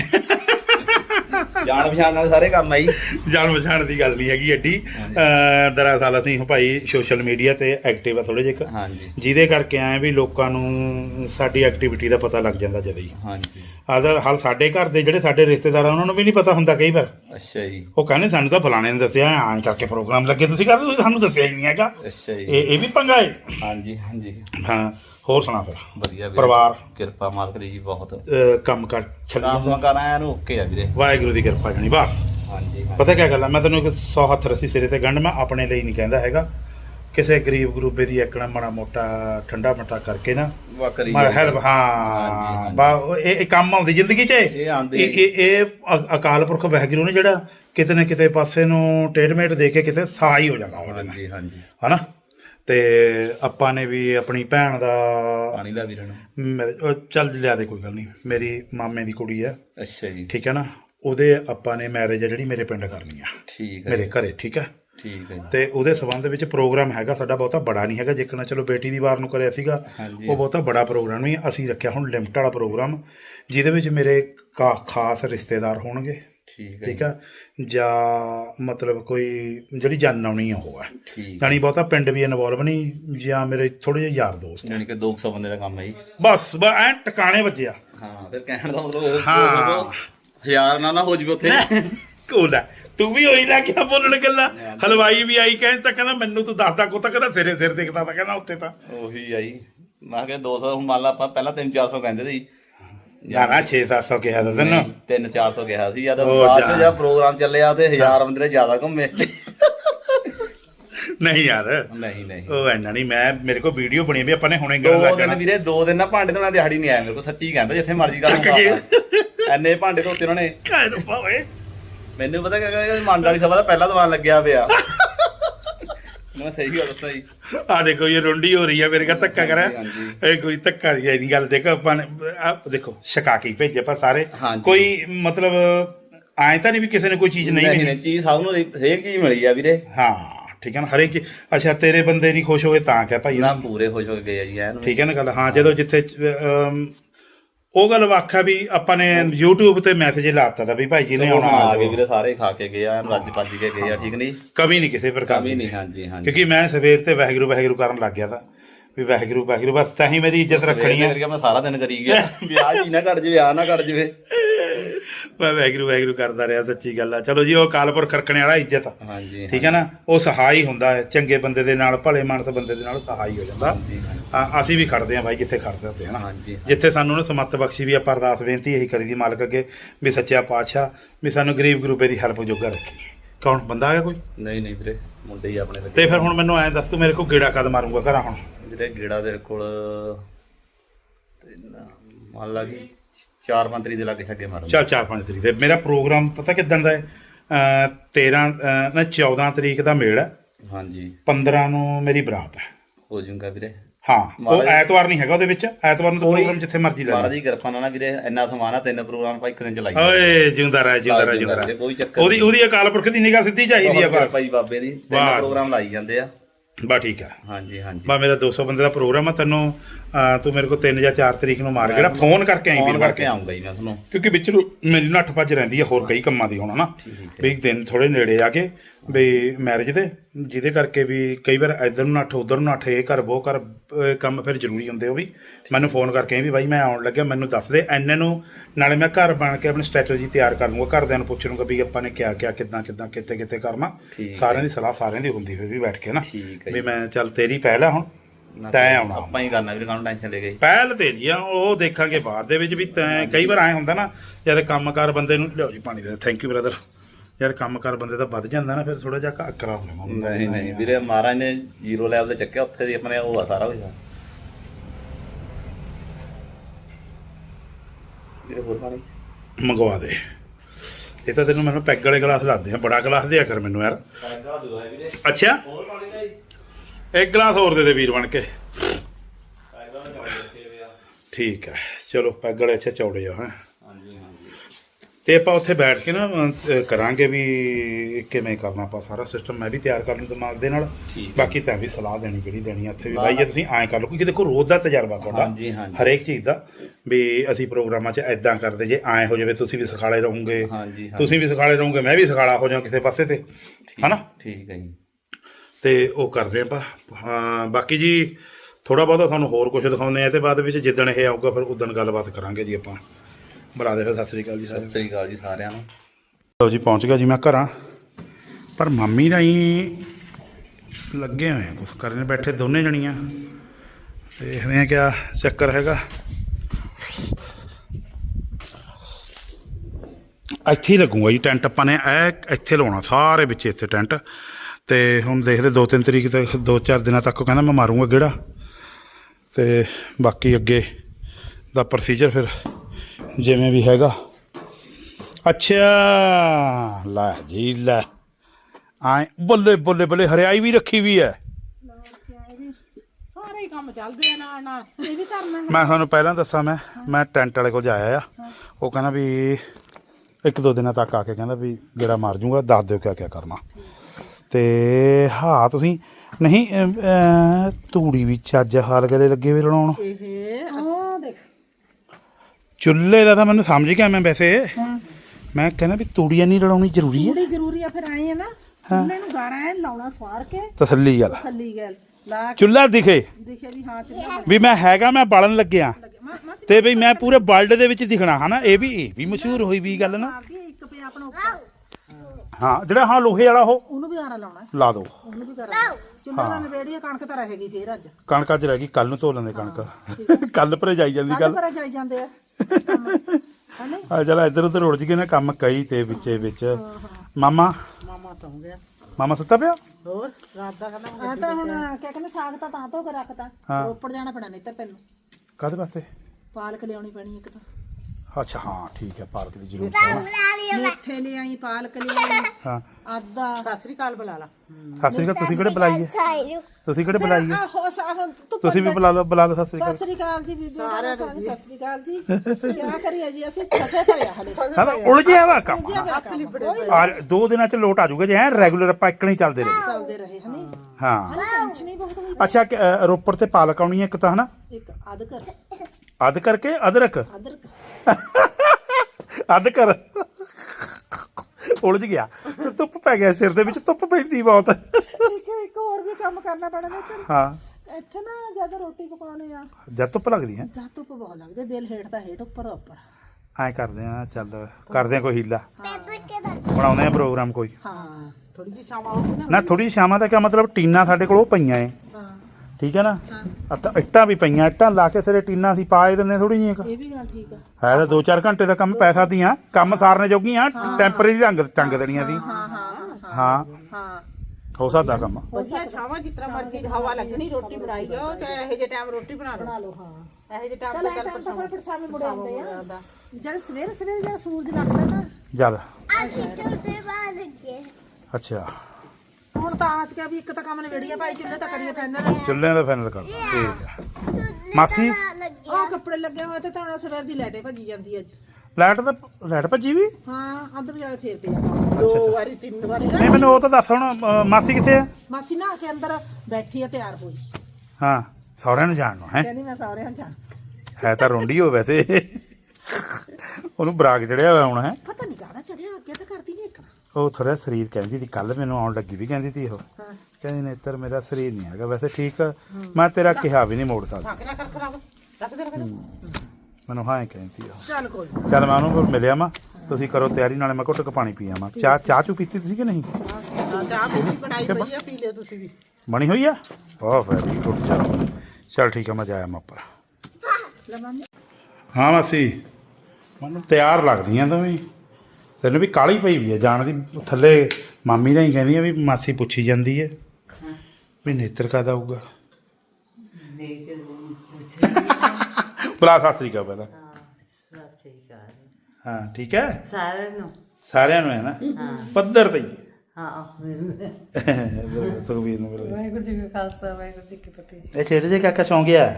ਜਾਣ ਪਛਾਣ ਨਾਲ ਸਾਰੇ ਕੰਮ ਆਈ ਜਾਣ ਪਛਾਣ ਦੀ ਗੱਲ ਨਹੀਂ ਹੈਗੀ ਐਡੀ ਦਰਅਸਲ ਅਸੀਂ ਭਾਈ ਸੋਸ਼ਲ ਮੀਡੀਆ ਤੇ ਐਕਟਿਵ ਆ ਥੋੜੇ ਜਿਹੇ ਹਾਂਜੀ ਜਿਹਦੇ ਕਰਕੇ ਆਏ ਵੀ ਲੋਕਾਂ ਨੂੰ ਸਾਡੀ ਐਕਟੀਵਿਟੀ ਦਾ ਪਤਾ ਲੱਗ ਜਾਂਦਾ ਜਦੋਂ ਹੀ ਹਾਂਜੀ ਆਦਾ ਹਾਲ ਸਾਡੇ ਘਰ ਦੇ ਜਿਹੜੇ ਸਾਡੇ ਰਿਸ਼ਤੇਦਾਰ ਆ ਉਹਨਾਂ ਨੂੰ ਵੀ ਨਹੀਂ ਪਤਾ ਹੁੰਦਾ ਕਈ ਵਾਰ ਅੱਛਾ ਜੀ ਉਹ ਕਹਿੰਦੇ ਸਾਨੂੰ ਤਾਂ ਫਲਾਣੇ ਨੇ ਦੱਸਿਆ ਆਂ ਕਰਕੇ ਪ੍ਰੋਗਰਾਮ ਲੱਗੇ ਤੁਸੀਂ ਕਰਦੇ ਤੁਸੀਂ ਸਾਨੂੰ ਦੱਸਿਆ ਹੀ ਨਹੀਂ ਹੈਗਾ ਅੱਛਾ ਜੀ ਇਹ ਵੀ ਪੰਗਾ ਏ ਹਾਂਜੀ ਹਾਂਜੀ ਹਾਂ ਹੋਰ ਸੁਣਾ ਫਿਰ ਵਧੀਆ ਪਰਿਵਾਰ ਕਿਰਪਾ ਮਾਲਕ ਦੀ ਜੀ ਬਹੁਤ ਕੰਮ ਕਰ ਕੰਮ ਕਰ ਆਇਆ ਨੂੰ ਓਕੇ ਆ ਵੀਰੇ ਵਾਹਿਗੁਰੂ ਦੀ ਕਿਰਪਾ ਜਣੀ ਬਸ ਹਾਂਜੀ ਪਤਾ ਕੀ ਗੱਲ ਆ ਮੈਂ ਤੈਨੂੰ 100 ਹੱਥ ਰੱਸੀ ਸਿਰੇ ਤੇ ਗੰਢ ਮੈਂ ਆਪਣੇ ਲਈ ਨਹੀਂ ਕਹਿੰਦਾ ਹੈਗਾ ਕਿਸੇ ਗਰੀਬ ਗਰੂਬੇ ਦੀ ਇੱਕ ਨਾ ਮਾੜਾ ਮੋਟਾ ਠੰਡਾ ਮਟਾ ਕਰਕੇ ਨਾ ਹੈਲਪ ਹਾਂ ਬਾ ਇਹ ਕੰਮ ਆਉਂਦੀ ਜ਼ਿੰਦਗੀ 'ਚ ਇਹ ਅਕਾਲ ਪੁਰਖ ਵਾਹਿਗੁਰੂ ਨੇ ਜਿਹੜਾ ਕਿਤੇ ਨਾ ਕਿਤੇ ਪਾਸੇ ਨੂੰ ਟੇਢਮੇਢ ਦੇ ਕੇ ਕਿਤੇ ਸਹਾਈ ਹੋ ਜਾਂਦਾ ਹਾਂਜੀ ਹਾਂਜੀ ਹਨਾ ਤੇ ਆਪਾਂ ਨੇ ਵੀ ਆਪਣੀ ਭੈਣ ਦਾ ਪਾਣੀ ਲਾ ਵੀਰਾਂ ਨੂੰ ਮੇਰੇ ਚੱਲ ਲਿਆ ਦੇ ਕੋਈ ਗੱਲ ਨਹੀਂ ਮੇਰੀ ਮਾਮੇ ਦੀ ਕੁੜੀ ਆ ਅੱਛਾ ਜੀ ਠੀਕ ਹੈ ਨਾ ਉਹਦੇ ਆਪਾਂ ਨੇ ਮੈਰਿਜ ਜਿਹੜੀ ਮੇਰੇ ਪਿੰਡ ਕਰਨੀ ਆ ਠੀਕ ਹੈ ਮੇਰੇ ਘਰੇ ਠੀਕ ਹੈ ਠੀਕ ਹੈ ਜੀ। ਤੇ ਉਹਦੇ ਸੰਬੰਧ ਵਿੱਚ ਪ੍ਰੋਗਰਾਮ ਹੈਗਾ ਸਾਡਾ, ਬਹੁਤਾ ਬੜਾ ਨਹੀਂ ਹੈਗਾ, ਜਿੱਕਣਾ ਚਲੋ ਬੇਟੀ ਦੀ ਵਾਰ ਨੂੰ ਕਰਿਆ ਸੀਗਾ ਉਹ ਬਹੁਤਾ ਬੜਾ ਪ੍ਰੋਗਰਾਮ ਨਹੀਂ। ਅਸੀਂ ਰੱਖਿਆ ਹੁਣ ਲਿਮਟ ਵਾਲਾ ਪ੍ਰੋਗਰਾਮ, ਜਿਹਦੇ ਵਿੱਚ ਮੇਰੇ ਖਾਸ ਰਿਸ਼ਤੇਦਾਰ ਹੋਣਗੇ, ਠੀਕ ਆ, ਜਾਂ ਮਤਲਬ ਕੋਈ ਜਿਹੜੀ ਜਾਣ ਆਉਣੀ ਉਹ ਹੈ, ਜਾਣੀ ਬਹੁਤਾ ਪਿੰਡ ਵੀ ਇਨਵੋਲਵ ਨਹੀਂ, ਜਾਂ ਮੇਰੇ ਥੋੜੇ ਜਿਹੇ ਯਾਰ ਦੋਸਤ, ਯਾਨੀ ਕਿ 200 ਬੰਦੇ ਦਾ ਕੰਮ ਹੈ ਜੀ। ਬਸ ਐ ਟਿਕਾਣੇ ਵੱਜਿਆ। ਹਾਂ ਫਿਰ ਕਹਿਣ ਦਾ ਮਤਲਬ ਹਾਂ 1000 ਨਾ ਹੋ ਜਵੇ ਉੱਥੇ। ਕੋਲ ਹੈ ਤੂੰ ਵੀ ਉਹੀ ਲੈ ਗਿਆ ਬੋਲਣ ਗੱਲਾਂ। ਹਲਵਾਈ ਵੀ ਆਈ ਕਹਿੰਦਾ ਤਾਂ ਕਹਿੰਦਾ ਮੈਨੂੰ ਤੂੰ ਦੱਸਦਾ ਕੋ ਤਾਂ ਕਹਿੰਦਾ ਸਿਰੇ ਸਿਰ ਦਿਖਦਾ ਤਾਂ ਕਹਿੰਦਾ ਉੱਥੇ ਤਾਂ ਉਹੀ ਆਈ। ਮੈਂ ਕਿਹਾ 200 ਹੁਣ ਮੰਨ ਲਾ ਆਪਾਂ ਪਹਿਲਾਂ 300-400 ਕਹਿੰਦੇ ਸੀ, ਨਾ 600-700 ਕਿਹਾ ਤਾਂ ਤੈਨੂੰ, 300-400 ਕਿਹਾ ਸੀ। ਜਦ ਬਾਅਦ ਚ ਜਦ ਪ੍ਰੋਗਰਾਮ ਚੱਲਿਆ ਤੇ 1000 ਬੰਦੇ ਨੇ ਜ਼ਿਆਦਾ ਘੁੰਮੇ। ਨਹੀਂ ਯਾਰ ਨਹੀਂ ਉਹ ਇੰਨਾ ਨਹੀਂ। ਮੈਂ ਮੇਰੇ ਕੋਲ ਵੀਡੀਓ ਬਣੀ ਵੀ ਆਪਾਂ ਨੇ ਹੁਣੇ ਗੱਲ ਲੱਗ ਜਾਣਾ। ਵੀਰੇ 2 ਦਿਨ ਨਾ ਭਾਂਡੇ ਧੋਣਾ ਦਿਹਾੜੀ ਨਹੀਂ ਆਇਆ ਮੇਰੇ ਕੋਲ, ਸੱਚੀ ਕਹਿੰਦਾ, ਜਿੱਥੇ ਮਰਜ਼ੀ ਕਰ ਐਨੇ ਭਾਂਡੇ ਧੋਤੇ ਉਹਨਾਂ ਨੇ। ਮੈਨੂੰ ਪਤਾ ਕਿ ਮੰਡ ਵਾਲੀ ਸਭਾ ਦਾ ਪਹਿਲਾ ਦੀਵਾਨ ਲੱਗਿਆ ਪਿਆ। ਮੈਂ ਸਹੀ ਗੱਲ ਦੱਸਾਂ ਜੀ। ਆ ਦੇਖੋ ਇਹ ਰੁੰਡੀ ਹੋ ਰਹੀ ਹੈ ਮੇਰੇ ਕੋਲ, ਧੱਕਾ ਕਰਾਂ ਇਹ ਕੋਈ ਧੱਕਾ ਨਹੀਂ ਆਈ ਗੱਲ। ਦੇਖੋ ਆਪਾਂ ਨੇ ਦੇਖੋ ਛਕਾ ਕੇ ਭੇਜੇ ਆਪਾਂ ਸਾਰੇ, ਕੋਈ ਮਤਲਬ ਆਏ ਤਾਂ ਨਹੀਂ ਵੀ ਕਿਸੇ ਨੇ ਕੋਈ ਚੀਜ਼ ਨਹੀਂ ਚੀਜ਼ ਸਭ ਨੂੰ ਹਰੇਕ ਚੀਜ਼ ਮਿਲੀ ਆ ਵੀਰੇ। ਹਾਂ ਠੀਕ ਹੈ ਨਾ, ਹਰੇਕ ਚੀਜ਼। ਅੱਛਾ ਤੇਰੇ ਬੰਦੇ ਨਹੀਂ ਖੁਸ਼ ਹੋਏ ਤਾਂ ਕਿਆ ਭਾਈ? ਨਾ ਪੂਰੇ ਖੁਸ਼ ਹੋ ਗਏ ਆ ਜੀ ਐਨ। ਠੀਕ ਹੈ ਨਾ ਗੱਲ। ਹਾਂ ਜਦੋਂ ਜਿੱਥੇ ਉਹ ਗੱਲ ਵਾਖਾ ਵੀ ਆਪਾਂ ਨੇ YouTube ਤੇ ਮੈਸੇਜ ਲਾਤਾ ਤਾ ਵੀ ਭਾਈ ਜੀ ਨੇ ਆਉਣਾ ਆ ਗਏ ਵੀਰੇ, ਸਾਰੇ ਖਾ ਕੇ ਗਏ ਆ, ਰੱਜ ਭੱਜ ਕੇ ਗਏ ਆ। ਠੀਕ ਨਹੀਂ, ਕਮੀ ਨਹੀਂ ਕਿਸੇ ਪ੍ਰਕਾਰ ਦੀ ਨਹੀਂ। ਹਾਂਜੀ ਕਿਉਂਕਿ ਮੈਂ ਸਵੇਰ ਤੇ ਵਾਹਿਗੁਰੂ ਕਰਨ ਲੱਗ ਗਿਆ ਤਾਂ ਵੀ ਵਾਹਿਗੁਰੂ ਬਸ ਤਾਂ ਹੀ ਮੇਰੀ ਇੱਜ਼ਤ ਰੱਖਣੀ ਹੈ। ਮੈਂ ਸਾਰਾ ਦਿਨ ਕਰੀ ਗਿਆ ਵੀ ਆਹ ਚੀਜ਼ ਨਾ ਘਟ ਜਾਵੇ, ਆਹ ਨਾ ਘਟ ਜਾਵੇ। ਮੈਂ ਵਾਹਿਗੁਰੂ ਕਰਦਾ ਰਿਹਾ, ਸੱਚੀ ਗੱਲ ਆ। ਚਲੋ ਜੀ ਉਹ ਅਕਾਲਪੁਰ ਖਰਕਣੇ ਵਾਲਾ ਇੱਜ਼ਤ, ਹਾਂਜੀ ਠੀਕ ਹੈ ਨਾ, ਉਹ ਸਹਾਈ ਹੁੰਦਾ ਹੈ ਚੰਗੇ ਬੰਦੇ ਦੇ ਨਾਲ, ਭਲੇ ਮਾਨਸ ਬੰਦੇ ਦੇ ਨਾਲ ਸਹਾਈ ਹੋ ਜਾਂਦਾ। ਅਸੀਂ ਵੀ ਖੜਦੇ ਹਾਂ ਬਾਈ ਜਿੱਥੇ ਖੜਦੇ ਹੁੰਦੇ ਹੈ ਨਾ, ਜਿੱਥੇ ਸਾਨੂੰ ਉਹਨੇ ਸਮੱਤ ਬਖਸ਼ੀ ਵੀ ਆਪਾਂ ਅਰਦਾਸ ਬੇਨਤੀ ਇਹੀ ਕਰੀ ਦੀ ਮਾਲਕ ਅੱਗੇ ਵੀ ਸੱਚਾ ਪਾਤਸ਼ਾਹ ਵੀ ਸਾਨੂੰ ਗਰੀਬ ਗਰੂਬੇ ਦੀ ਹੈਲਪ ਜੋਗਾ ਰੱਖੀ। ਕੌਣ ਬੰਦਾ ਆ ਗਿਆ ਕੋਈ? ਨਹੀਂ ਵੀਰੇ, ਮੁੰਡੇ ਹੀ ਆਪਣੇ। ਤੇ ਫਿਰ ਹੁਣ ਮੈਨੂੰ ਐਂ ਦੱਸ ਤੂੰ ਮੇਰੇ ਕੋਲ ਗੇੜਾ ਕਦ ਮਾਰੂੰਗਾ ਘਰਾਂ? ਹੁਣ ਵੀਰੇ ਗੇੜਾ ਤੇਰੇ ਕੋਲ ਮੰਨ ਲਾ ਕਿ 4-5 ਤਰੀਕ ਦੇ ਲਾਗੇ ਛੱਗੇ ਮਾਰੂ। ਚੱਲ 4-5 ਤਰੀਕ ਦੇ। ਮੇਰਾ ਪ੍ਰੋਗਰਾਮ ਪਤਾ ਕਿੱਦਣ ਦਾ ਹੈ? 14 ਤਰੀਕ ਦਾ ਮੇਲ ਹੈ। ਹਾਂਜੀ 15 ਨੂੰ ਮੇਰੀ ਬਰਾਤ ਹੈ। ਹੋ ਜਾਊਗਾ ਵੀਰੇ। ਹਾਂ ਉਹ ਐਤਵਾਰ ਨਹੀਂ ਹੈਗਾ ਉਹਦੇ ਵਿੱਚ, ਐਤਵਾਰ ਨੂੰ ਤਾਂ ਪ੍ਰੋਗਰਾਮ ਜਿੱਥੇ ਮਰਜ਼ੀ ਲੈ। ਮਹਾਰਾਜ ਦੀ ਕਿਰਪਾ ਨਾਲ ਨਾ ਵੀਰੇ ਇੰਨਾ ਸਮਾਨ ਆ, 3 ਪ੍ਰੋਗਰਾਮ ਆਪਾਂ ਇੱਕ ਦਿਨ ਚ ਲਾਈਏ। ਓਏ ਜਿਉਂਦਾ ਰਹਿ ਕੋਈ ਚੱਕਰ ਉਹਦੀ ਅਕਾਲ ਪੁਰਖ ਦੀ ਨਿਗਾਹ ਸਿੱਧੀ ਚਾਹੀਦੀ ਆ ਬਸ। ਭਾਈ ਬਾਬੇ ਦੀ 3 ਪ੍ਰੋਗਰਾਮ ਲਾਈ ਜਾਂਦੇ ਆ। ਬਸ ਠੀਕ ਆ। ਹਾਂਜੀ ਬਸ ਮੇਰਾ 200 ਬੰਦੇ ਦਾ ਪ੍ਰੋਗਰਾਮ ਆ। ਤੈਨੂੰ ਤੂੰ ਮੇਰੇ ਕੋਲ 3 ਜਾਂ 4 ਤਰੀਕ ਨੂੰ ਮਾਰ ਜਿਹੜਾ ਫੋਨ ਕਰਕੇ ਆਈ ਵੀਰ ਕਰਕੇ ਆਉਂਗਾ ਜੀ ਮੈਂ ਤੁਹਾਨੂੰ, ਕਿਉਂਕਿ ਵਿੱਚ ਨੂੰ ਮੇਰੀ ਨੱਠ ਭੱਜ ਰਹਿੰਦੀ ਆ ਹੋਰ ਕਈ ਕੰਮਾਂ ਦੀ ਹੁਣ ਨਾ, ਵੀ ਦਿਨ ਥੋੜੇ ਨੇੜੇ ਆ ਕੇ ਵੀ ਮੈਰਿਜ ਦੇ, ਜਿਹਦੇ ਕਰਕੇ ਵੀ ਕਈ ਵਾਰ ਇੱਧਰ ਨੂੰ ਨੱਠ ਉੱਧਰ ਨੂੰ ਨੱਠ, ਇਹ ਕਰ ਉਹ ਕਰ, ਕੰਮ ਫਿਰ ਜ਼ਰੂਰੀ ਹੁੰਦੇ। ਉਹ ਵੀ ਮੈਨੂੰ ਫੋਨ ਕਰਕੇ ਵੀ ਬਾਈ ਮੈਂ ਆਉਣ ਲੱਗਿਆ, ਮੈਨੂੰ ਦੱਸ ਦੇ ਇੰਨੇ ਨੂੰ, ਨਾਲੇ ਮੈਂ ਘਰ ਬਣ ਕੇ ਆਪਣੀ ਸਟ੍ਰੈਟਜੀ ਤਿਆਰ ਕਰ ਲੂੰਗਾ, ਘਰਦਿਆਂ ਨੂੰ ਪੁੱਛ ਲੂੰਗਾ ਵੀ ਆਪਾਂ ਨੇ ਕਿੱਦਾਂ ਕਿੱਥੇ ਕਰਨਾ। ਸਾਰਿਆਂ ਦੀ ਸਲਾਹ ਸਾਰਿਆਂ ਦੀ ਹੁੰਦੀ ਫਿਰ ਵੀ ਬੈਠ ਕੇ ਨਾ, ਵੀ ਮੈਂ ਚੱਲ ਤੇਰੀ ਪਹਿਲ ਆ ਹੁਣ ਤੈਂ ਆਉਣਾ, ਆਪਾਂ ਹੀ ਕਰਨਾ ਵੀਰੇ, ਕਾਹਨੂੰ ਟੈਨਸ਼ਨ ਲੈ ਗਏ। ਪਹਿਲ ਤੇਰੀ ਆ, ਉਹ ਦੇਖਾਂਗੇ ਬਾਅਦ ਦੇ ਵਿੱਚ ਵੀ ਤੈਂ। ਕਈ ਵਾਰ ਐਂ ਹੁੰਦਾ ਨਾ ਜਦ ਕੰਮਕਾਰ ਬੰਦੇ ਨੂੰ, ਲਿਓ ਜੀ ਪਾਣੀ ਦੇ, ਥੈਂਕ ਯੂ ਬ੍ਰਦਰ, ਯਾਰ ਕੰਮਕਾਰ ਬੰਦੇ ਦਾ ਵੱਧ ਜਾਂਦਾ ਨਾ ਫਿਰ ਥੋੜਾ ਜਿਹਾ ਅੱਕਰਾ ਹੋ ਜਾਂਦਾ। ਨਹੀਂ ਵੀਰੇ, ਮਹਾਰਾਜ ਨੇ 0 ਲੈਵਲ ਤੇ ਚੱਕਿਆ, ਉੱਥੇ ਦੀ ਆਪਣੇ ਉਹ ਆ ਸਾਰਾ ਕੁਝ ਵੀਰੇ। ਹੋਰ ਪਾਣੀ ਮੰਗਵਾ ਦੇ। ਇਹ ਤਾਂ ਤੈਨੂੰ ਮੈਨੂੰ ਪੈਗ ਵਾਲੇ ਗਲਾਸ ਦੱਸਦੇ ਆ, ਬੜਾ ਗਲਾਸ ਦਿਆ ਕਰ ਮੈਨੂੰ ਯਾਰ। ਅੱਛਾ ਇੱਕ ਗਲਾਸ ਹੋਰ ਦੇ ਵੀਰ ਬਣ ਕੇ। ਠੀਕ ਹੈ ਚਲੋ, ਪੈਗ ਵਾਲੇ ਅੱਛਾ ਚੌੜੇ ਆ। ਹਾਂ ਤੇ ਆਪਾਂ ਉੱਥੇ ਬੈਠ ਕੇ ਨਾ ਕਰਾਂਗੇ ਵੀ ਕਿਵੇਂ ਕਰਨਾ ਆਪਾਂ ਸਾਰਾ ਸਿਸਟਮ। ਮੈਂ ਵੀ ਤਿਆਰ ਕਰ ਲੂੰ ਦਿਮਾਗ ਦੇ ਨਾਲ, ਬਾਕੀ ਤਾਂ ਵੀ ਸਲਾਹ ਦੇਣੀ ਜਿਹੜੀ ਦੇਣੀ ਆ ਉੱਥੇ ਵੀ ਬਾਈ ਜੇ ਤੁਸੀਂ ਐਂ ਕਰ ਲਓ, ਕਿਉਂਕਿ ਦੇਖੋ ਰੋਜ਼ ਦਾ ਤਜਰਬਾ ਤੁਹਾਡਾ ਹਰੇਕ ਚੀਜ਼ ਦਾ, ਵੀ ਅਸੀਂ ਪ੍ਰੋਗਰਾਮਾਂ 'ਚ ਐਦਾਂ ਕਰਦੇ, ਜੇ ਐਂ ਹੋ ਜਾਵੇ ਤੁਸੀਂ ਵੀ ਸਿਖਾਲੇ ਰਹੋਗੇ, ਤੁਸੀਂ ਵੀ ਸਿਖਾਲੇ ਰਹੋਗੇ, ਮੈਂ ਵੀ ਸਿਖਾਲਾ ਹੋ ਜਾਵਾਂ ਕਿਸੇ ਪਾਸੇ ਤੇ, ਹੈ ਨਾ। ਠੀਕ ਹੈ ਜੀ। ਤੇ ਉਹ ਕਰਦੇ ਆਪਾਂ। ਹਾਂ ਬਾਕੀ ਜੀ ਥੋੜ੍ਹਾ ਬਹੁਤਾ ਤੁਹਾਨੂੰ ਹੋਰ ਕੁਝ ਦਿਖਾਉਂਦੇ ਆ, ਤੇ ਬਾਅਦ ਵਿੱਚ ਜਿੱਦਣ ਇਹ ਆਊਗਾ ਫਿਰ ਉਦਣ ਗੱਲਬਾਤ ਕਰਾਂਗੇ ਜੀ ਆਪਾਂ। ਬੁਲਾ ਦੇ ਫਿਰ। ਸਤਿ ਸ੍ਰੀ ਅਕਾਲ ਜੀ। ਸਤਿ ਸ੍ਰੀ ਅਕਾਲ ਜੀ ਸਾਰਿਆਂ ਨੂੰ। ਲਓ ਜੀ ਪਹੁੰਚ ਗਿਆ ਜੀ ਮੈਂ ਘਰਾਂ, ਪਰ ਮੰਮੀ ਦਾ ਹੀ ਲੱਗੇ ਹੋਏ ਆ ਕੁਛ ਕਰਨ ਬੈਠੇ ਦੋਨੇ ਜਣੀਆਂ, ਦੇਖਦੇ ਆ ਕਿਆ ਚੱਕਰ ਹੈਗਾ। ਇੱਥੇ ਹੀ ਲੱਗੂਗਾ ਜੀ ਟੈਂਟ ਆਪਾਂ ਨੇ, ਇਹ ਇੱਥੇ ਲਾਉਣਾ ਸਾਰੇ ਵਿੱਚ ਇੱਥੇ ਟੈਂਟ। ਤੇ ਹੁਣ ਦੇਖਦੇ 2-3 ਤਰੀਕ ਤੱਕ, 2-4 ਦਿਨਾਂ ਤੱਕ ਕਹਿੰਦਾ ਮੈਂ ਮਾਰੂੰਗਾ ਗੇੜਾ, ਤੇ ਬਾਕੀ ਅੱਗੇ ਦਾ ਪ੍ਰੋਸੀਜਰ ਫਿਰ ਜਿਵੇਂ ਵੀ ਹੈਗਾ। ਅੱਛਾ ਲੈ ਜੀ ਲੈ, ਆਏ ਬੱਲੇ ਬੱਲੇ ਬੱਲੇ, ਹਰਿਆਈ ਵੀ ਰੱਖੀ ਵੀ ਹੈ। ਸਾਰੇ ਕੰਮ ਚੱਲਦੇ ਆ ਨਾਲ ਨਾਲ, ਇਹ ਵੀ ਕਰਨਾ। ਮੈਂ ਤੁਹਾਨੂੰ ਪਹਿਲਾਂ ਦੱਸਾਂ, ਮੈਂ ਟੈਂਟ ਵਾਲੇ ਕੋਲ ਜਾਇਆ ਆ, ਉਹ ਕਹਿੰਦਾ ਵੀ 1-2 ਦਿਨਾਂ ਤੱਕ ਆ ਕੇ ਕਹਿੰਦਾ ਵੀ ਗੇੜਾ ਮਾਰ ਜੂੰਗਾ, ਦੱਸ ਦਿਓ ਕਿਆ ਕਿਆ ਕਰਨਾ। ਤੇ ਹਾਂ ਤੁਸੀਂ ਨਹੀਂ ਤੂੜੀ ਵੀ ਚੱਜ ਹਾਲ ਕਦੇ ਲੱਗੇ ਵੇ ਲਾਉਣ ਉਹ ਦੇਖ ਚੁੱਲ੍ਹੇ ਦਾ ਤਾਂ ਮੈਨੂੰ ਸਮਝ ਗਿਆ ਮੈਂ ਵੈਸੇ ਮੈਂ ਕਹਿੰਦਾ ਵੀ ਤੂੜੀਆਂ ਨਹੀਂ ਰਲਾਉਣੀ ਜ਼ਰੂਰੀ ਹੈ ਥੋੜੀ ਜ਼ਰੂਰੀ ਆ ਫਿਰ ਆਏ ਆ ਨਾ ਚੁੱਲ੍ਹੇ ਨੂੰ ਗਾਰਾ ਐ ਲਾਉਣਾ ਸਵਾਰ ਕੇ ਤਸੱਲੀ ਗੱਲ ਥੱਲੀ ਗੈਲ ਲਾ ਕੇ ਚੁੱਲ੍ਹਾ ਦਿਖੇ ਦੇਖਿਆ ਵੀ ਹਾਂ ਚੁੱਲ੍ਹਾ ਵੀ ਮੈਂ ਹੈਗਾ ਮੈਂ ਬਾਲਣ ਲੱਗਿਆ ਮਾਸੀ ਤੇ ਬਈ ਮੈਂ ਪੂਰੇ ਵਰਲਡ ਦੇ ਵਿੱਚ ਦਿਖਣਾ ਹਨਾ ਇਹ ਵੀ ਮਸ਼ਹੂਰ ਹੋਈ ਵੀ ਗੱਲ ਨਾ ਮਾਰਦੀ ਇੱਕ ਪਿਆ ਆਪਣਾ ਉੱਪਰ ਹਾਂ ਜਿਹੜਾ ਹਾਂ ਲੋਹੇ ਵਾਲਾ ਉਹ ਉਹਨੂੰ ਵੀ ਗਾਰਾ ਲਾਉਣਾ ਲਾ ਦੋ ਉਹਨੂੰ ਵੀ ਗਾਰਾ ਚੁੱਲ੍ਹਾ ਦਾ ਨਵੇੜੀਆ ਕਣਕ ਤਾਂ ਰਹੇਗੀ ਫੇਰ ਅੱਜ ਕਣਕ ਅੱਜ ਰਹਿ ਗਈ ਕੱਲ ਨੂੰ ਧੋ ਲੈਂਦੇ ਕਣਕ ਕੱਲ ਭਰੇ ਜਾਈ ਜਾਂਦੀ ਕੱਲ ਗੱਲ ਪਰ ਜਾਈ ਜਾਂਦੇ ਆ ਹਨੇ ਆ ਚਲ ਇੱਧਰ ਉੱਧਰ ਉੜ ਜਗੇ ਨਾ ਕੰਮ ਕਈ ਤੇ ਵਿੱਚੇ ਵਿੱਚ ਮਾਮਾ ਸੌਂ ਗਿਆ ਮਾਮਾ ਸੁੱਤਾ ਪਿਆ ਹੋਰ ਰਾਤ ਦਾ ਕਹਿੰਦਾ ਆ ਤਾਂ ਹੁਣ ਕਿਆ ਕਹਿੰਦੇ ਸਾਗ ਤਾਂ ਧੋ ਕੇ ਰੱਖਤਾ ਰੋਪੜ ਜਾਣਾ ਪੈਣਾ ਨਹੀਂ ਤਾਂ ਤੈਨੂੰ ਕਾਹਦੇ ਵਾਸਤੇ ਪਾਲਕ ਲਿਆਉਣੀ ਪੈਣੀ ਇੱਕ ਤਾਂ ਅੱਛਾ ਹਾਂ ਠੀਕ ਹੈ ਪਾਲਕ ਦੀ ਜ਼ਰੂਰਤ ਹੈ ਮੇਥੇ ਲਿਆਈ ਪਾਲਕ ਲਿਆਈ ਹਾਂ ਆਦਾ ਸਤਿ ਸ੍ਰੀ ਅਕਾਲ ਬੁਲਾ ਲਾ ਸਤਿ ਸ੍ਰੀ ਅਕਾਲ ਤੁਸੀਂ ਕਿਹੜੇ ਬੁਲਾਈਏ ਤੁਸੀਂ ਕਿਹੜੇ ਬੁਲਾਈਏ ਆਹੋ ਸਾਹ ਤੁਸੀਂ ਵੀ ਬੁਲਾ ਲਓ ਸਤਿ ਸ੍ਰੀ ਅਕਾਲ ਸਤਿ ਸ੍ਰੀ ਅਕਾਲ ਜੀ ਬੀਬੀ ਸਾਰਿਆਂ ਨੂੰ ਸਤਿ ਸ੍ਰੀ ਅਕਾਲ ਜੀ ਕੀ ਕਰੀਏ ਜੀ ਅਸੀਂ ਫਸੇ ਪਏ ਹਲੇ ਹਾਂ ਉਲਝਿਆ ਵਾ ਕੰਮ ਆ 2 ਦਿਨਾਂ ਚ ਲੋਟ ਆ ਜਾਊਗਾ ਜੇ ਐ ਰੈਗੂਲਰ ਆਪਾਂ ਇੱਕ ਨਹੀਂ ਚੱਲਦੇ ਰਹੇ ਹਨੇ ਹਾਂ ਟੈਨਸ਼ਨ ਹੀ ਬਹੁਤ ਹੋਈ ਅੱਛਾ ਰੋਪੜ ਤੇ ਪਾਲਕ ਆਉਣੀ ਹੈ ਇੱਕ ਤਾਂ ਹਨਾ ਇੱਕ ਅਦਰਕ ਅੱਧ ਕਰਕੇ ਅਦਰਕ ਅਦਰਕ ਅੱਧ ਕਰ ਉਲਝ ਗਿਆ ਧੁੱਪ ਪੈ ਗਿਆ ਸਿਰ ਦੇ ਵਿੱਚ ਧੁੱਪ ਪੈਂਦੀ ਬਹੁਤ ਇੱਕ ਹੋਰ ਵੀ ਕੰਮ ਕਰਨਾ ਪੈਣਾ ਨਾ ਹਾਂ ਇੱਥੇ ਨਾ ਜਦ ਰੋਟੀ ਪਕਾਉਣੇ ਆ ਜਦ ਧੁੱਪ ਲੱਗਦੀ ਹੈ ਜਦ ਧੁੱਪ ਬਹੁਤ ਲੱਗਦੇ ਦਿਲ ਹੇਠ ਦਾ ਹੇਠ ਉੱਪਰ ਦਾ ਉੱਪਰ ਐਂ ਕਰਦੇ ਆ ਚੱਲ ਕਰਦੇ ਆ ਕੋਈ ਹੀਲਾ ਬਣਾਉਂਦੇ ਆ ਪ੍ਰੋਗਰਾਮ ਕੋਈ ਹਾਂ ਥੋੜੀ ਜਿਹੀ ਛਾਵਾਂ ਹੋਊਗੀ ਨਾ ਥੋੜੀ ਜਿਹੀ ਸ਼ਾਮਾਂ ਦਾ ਕਿਆ ਮਤਲਬ ਟੀਨਾਂ ਸਾਡੇ ਕੋਲ ਉਹ ਪਈਆਂ ਏ ਹਾਂ ਠੀਕ ਹੈ ਨਾ ਇੱਟਾਂ ਵੀ ਪਈਆਂ ਇੱਟਾਂ ਲਾ ਕੇ ਸਿਰੇ ਟੀਨਾਂ ਅਸੀਂ ਪਾ ਦਿੰਦੇ ਥੋੜੀ ਜਿਹੀ ਇਹ ਵੀ ਗੱਲ ਠੀਕ ਆ ਹੈ ਤਾਂ 2-4 ਘੰਟੇ ਦਾ ਕੰਮ ਪੈ ਸਕਦੀਆਂ ਕੰਮ ਸਾਰਨੇ ਜੋਗੀਆਂ ਟੈਂਪਰੇਰੀ ਰੰਗ ਟੰਗ ਦੇਣੀਆਂ ਸੀ ਹਾਂ ਹੋ ਸਕਦਾ ਕੰਮ ਵਧੀਆ ਛਾਵਾਂ ਜਿਤਨਾ ਮਰਜ਼ੀ ਹਵਾ ਲੱਗਣੀ ਰੋਟੀ ਬਣਾਈ ਜਾਓ ਚਾਹੇ ਇਹੋ ਜਿਹੇ ਟਾਈਮ ਰੋਟੀ ਬਣਾ ਲਓ ਹਾਂ ਇਹੋ ਜਿਹੇ ਟਾਈਮ ਚੱਲ ਤੇ ਇਹ ਟਾਈਮ ਤਾਂ ਫਿਰ ਸ਼ਾਮੇ ਮੁੜ ਆਉਂਦੇ ਆ ਜਿਹੜੇ ਸਵੇਰੇ ਜਿਹੜਾ ਸੂਰਜ ਲੱਗਦਾ ਨਾ ਜਦ ਅਸੀਂ ਚੁੱਲ੍ਹੇ ਬਾਹਰ ਲੱਗੇ ਅੱਛਾ ਹੁਣ ਤਾਂ ਆਸ ਗਿਆ ਵੀ ਇੱਕ ਤਾਂ ਕੰਮ ਨਵੇੜੀਆ ਭਾਈ ਚੁੱਲ੍ਹੇ ਤਾਂ ਕਰੀਏ ਫਾਈਨਲ ਚੁੱਲ੍ਹੇ ਦਾ ਫਾਈਨਲ ਕਰ ਠੀਕ ਹੈ ਮਾਸੀ ਲੱਗੇ ਉਹ ਕੱਪੜੇ ਲੱਗੇ ਹੋਏ ਤੇ ਤਾਂ ਸਵੇਰ ਦੀ ਲਾਈਟੇ ਭੱਜੀ ਜਾਂਦੀ ਅੱਜ ਲਾਈਟ ਭੱਜੀ ਵੀ ਹਾਂ ਅੰਦਰ ਵਿਚਾਲੇ ਫੇਰ ਪਿਆ ਦੋ ਵਾਰੀ ਤਿੰਨ ਵਾਰੀ ਨਹੀਂ ਮੈਨੂੰ ਉਹ ਤਾਂ ਦੱਸ ਹੁਣ ਮਾਸੀ ਕਿੱਥੇ ਆ ਮਾਸੀ ਨਾ ਕੇ ਅੰਦਰ ਬੈਠੀ ਆ ਤਿਆਰ ਹੋਈ ਹਾਂ ਸਹੁਰਿਆਂ ਨੂੰ ਜਾਣ ਨੂੰ ਹੈ ਕਹਿੰਦੀ ਮੈਂ ਸਹੁਰਿਆਂ ਜਾਣ ਹੈ ਤਾਂ ਰੋਂਡੀ ਹੋ ਵੈਸੇ ਉਹਨੂੰ ਬਰਾਕ ਚੜਿਆ ਹੋਇਆ ਹੁਣ ਹੈ ਪਤਾ ਨਹੀਂ ਕਾਹਦਾ ਚੜਿਆ ਅੱਗੇ ਤਾਂ ਕਰਦੀ ਨਹੀਂ ਇੱਕ ਉਹ ਥੋੜਾ ਸਰੀਰ ਕਹਿੰਦੀ ਸੀ ਕੱਲ ਮੈਨੂੰ ਆਉਣ ਲੱਗੀ ਵੀ ਕਹਿੰਦੀ ਸੀ ਉਹ ਹਾਂ ਕਹਿੰਦੀ ਨੇਤਰ ਮੇਰਾ ਸਰੀਰ ਨਹੀਂ ਹੈਗਾ ਵੈਸੇ ਠੀਕ ਆ ਮੈਂ ਤੇਰਾ ਕਿਹਾ ਵੀ ਨਹੀਂ ਮੋੜ ਸਕਦਾ ਨਾ ਕਰ ਖਰਾਬ ਰੱਖ ਦੇ ਮੈਨੂੰ ਹਾਂ ਹੀ ਕਹਿੰਦੀ ਉਹ ਚੱਲ ਕੋਈ ਨੀ। ਚੱਲ ਮੈਂ ਉਹਨੂੰ ਫਿਰ ਮਿਲਿਆ ਮੈਂ ਤੁਸੀਂ ਕਰੋ ਤਿਆਰੀ ਨਾਲੇ ਮੈਂ ਘੁੱਟ ਕੇ ਪਾਣੀ ਪੀ ਆਵਾਂ ਚਾਹ ਚੂ ਪੀਤੀ ਤੁਸੀਂ ਕਿ ਨਹੀਂ ਚਾਹ ਪੂਰੀ ਬਣਾਈ ਹੋਈ ਆ ਪੀ ਲਿਓ ਤੁਸੀਂ ਵੀ ਬਣੀ ਹੋਈ ਆ ਬਹੁਤ ਵੈਰੀ ਗੁੱਡ ਚੱਲ ਠੀਕ ਆ ਮੈਂ ਜਾਇਆ ਮੈਂ ਉੱਪਰ ਲੈ ਮੰਮੀ ਹਾਂ ਮਾਸੀ ਮੈਨੂੰ ਤਿਆਰ ਲੱਗਦੀਆਂ ਤੂੰ ਵੀ ਤੈਨੂੰ ਵੀ ਕਾਹਲੀ ਪਈ ਵੀ ਆ ਜਾਣ ਦੀ ਥੱਲੇ ਮਾਮੀ ਨੇ ਹੀ ਕਹਿੰਦੀ ਆ ਵੀ ਮਾਸੀ ਪੁੱਛੀ ਜਾਂਦੀ ਹੈ ਵੀ ਨੇਤਰ ਕਦ ਆਊਗਾ ਬੁਲਾ ਸਤਿ ਸ੍ਰੀ ਅਕਾਲ ਪਹਿਲਾਂ ਹਾਂ ਠੀਕ ਹੈ ਸਾਰਿਆਂ ਨੂੰ ਹੈ ਨਾ ਪੱਧਰ ਤੇ ਸੁਖਬੀਰ ਨੂੰ ਬੁਲਾਇਆ ਵਾਹਿਗੁਰੂ ਜੀ ਕਾ ਖਾਲਸਾ ਵਾਹਿਗੁਰੂ ਜੀ ਕੀ ਫਤਿਹ ਇਹ ਛੇੜੇ ਜੇ ਕਾਕਾ ਸੌਂ ਗਿਆ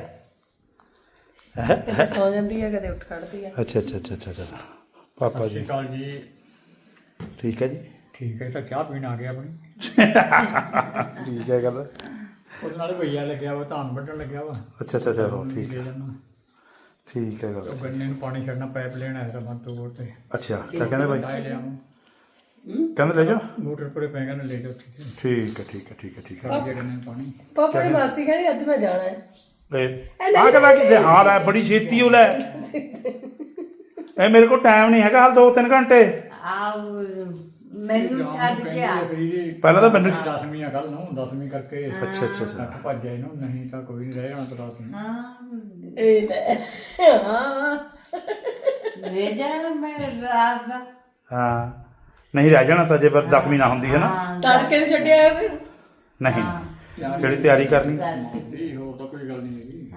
ਕਦੇ ਸੌ ਜਾਂਦੀ ਹੈ ਕਦੇ ਉੱਠ ਖੜਦੀ ਹੈ ਅੱਛਾ ਪਾਪਾ ਜੀ ਕਾਲ ਜੀ ਠੀਕ ਹੈ ਜੀ ਠੀਕ ਹੈ ਤਾਂ ਚਾਹ ਪੀਣ ਆ ਗਿਆ ਆਪਣੀ ਠੀਕ ਹੈ ਗੱਲ ਉਹਦੇ ਨਾਲ ਭਈਆ ਲੱਗਿਆ ਵਾ ਧਾਨ ਵੱਢਣ ਲੱਗਿਆ ਵਾ ਅੱਛਾ ਹੋ ਠੀਕ ਹੈ ਠੀਕ ਹੈ ਗੱਲ ਉਹ ਗੰਨੇ ਨੂੰ ਪਾਣੀ ਛੱਡਣਾ ਪਾਈਪ ਲੈਣ ਆਇਆ ਤਾਂ ਬੰਤੂ ਕੋਲ ਤੇ ਅੱਛਾ ਕਿਆ ਕਹਿੰਦੇ ਬਾਈ ਲਾਏ ਲਿਆ ਕਹਿੰਦੇ ਲੈ ਜਾਓ ਮੋਟਰ ਪਰੇ ਪੈ ਗਿਆ ਨਾ ਲੈ ਜਾਓ ਠੀਕ ਹੈ ਠੀਕ ਹੈ ਛੱਡ ਗਿਆ ਗੰਨੇ ਨੂੰ ਪਾਣੀ ਪਾਪਾ ਦੀ ਮਾਸੀ ਕਹਿੰਦੀ ਅੱਜ ਮੈਂ ਜਾਣਾ ਹੈ ਆ ਕਹਿੰਦਾ ਕਿ ਹਾਲ ਹੈ ਬੜੀ ਛੇਤੀ ਉਹ ਲੈ ਇਹ ਮੇਰੇ ਕੋਲ ਟਾਈਮ ਨਹੀਂ ਹੈਗਾ ਹਾਲ 2-3 ਘੰਟੇ ਮੈਨੂੰ ਛੱਡ ਕੇ ਆ ਪਹਿਲਾਂ ਤਾਂ ਮੈਨੂੰ 10ਵੀਂ ਆ ਕੱਲ ਨੂੰ 10ਵੀਂ ਕਰਕੇ ਅੱਛਾ ਭੱਜ ਜਾਏ ਨੂੰ ਨਹੀਂ ਤਾਂ ਕੋਈ ਨਹੀਂ ਰਹਿ ਜਾਣਾ ਤਾਂ ਰਾਤ ਨੂੰ ਇਹ ਲੈ ਹਾਂ ਲੈ ਜਾਣਾ ਮੈਂ ਰਾਤ ਦਾ ਹਾਂ ਨਹੀਂ ਰਹਿ ਜਾਣਾ ਤਾਂ ਜੇ 10ਵੀਂ ਨਾ ਹੁੰਦੀ ਹੈ ਨਾ ਤੜਕੇ ਨੂੰ ਛੱਡਿਆ ਫਿਰ ਨਹੀਂ ਜਿਹੜੀ ਤਿਆਰੀ ਕਰਨੀ ਨਹੀਂ ਹੋਰ ਤਾਂ ਕੋਈ ਗੱਲ ਨਹੀਂ ਹੈਗੀ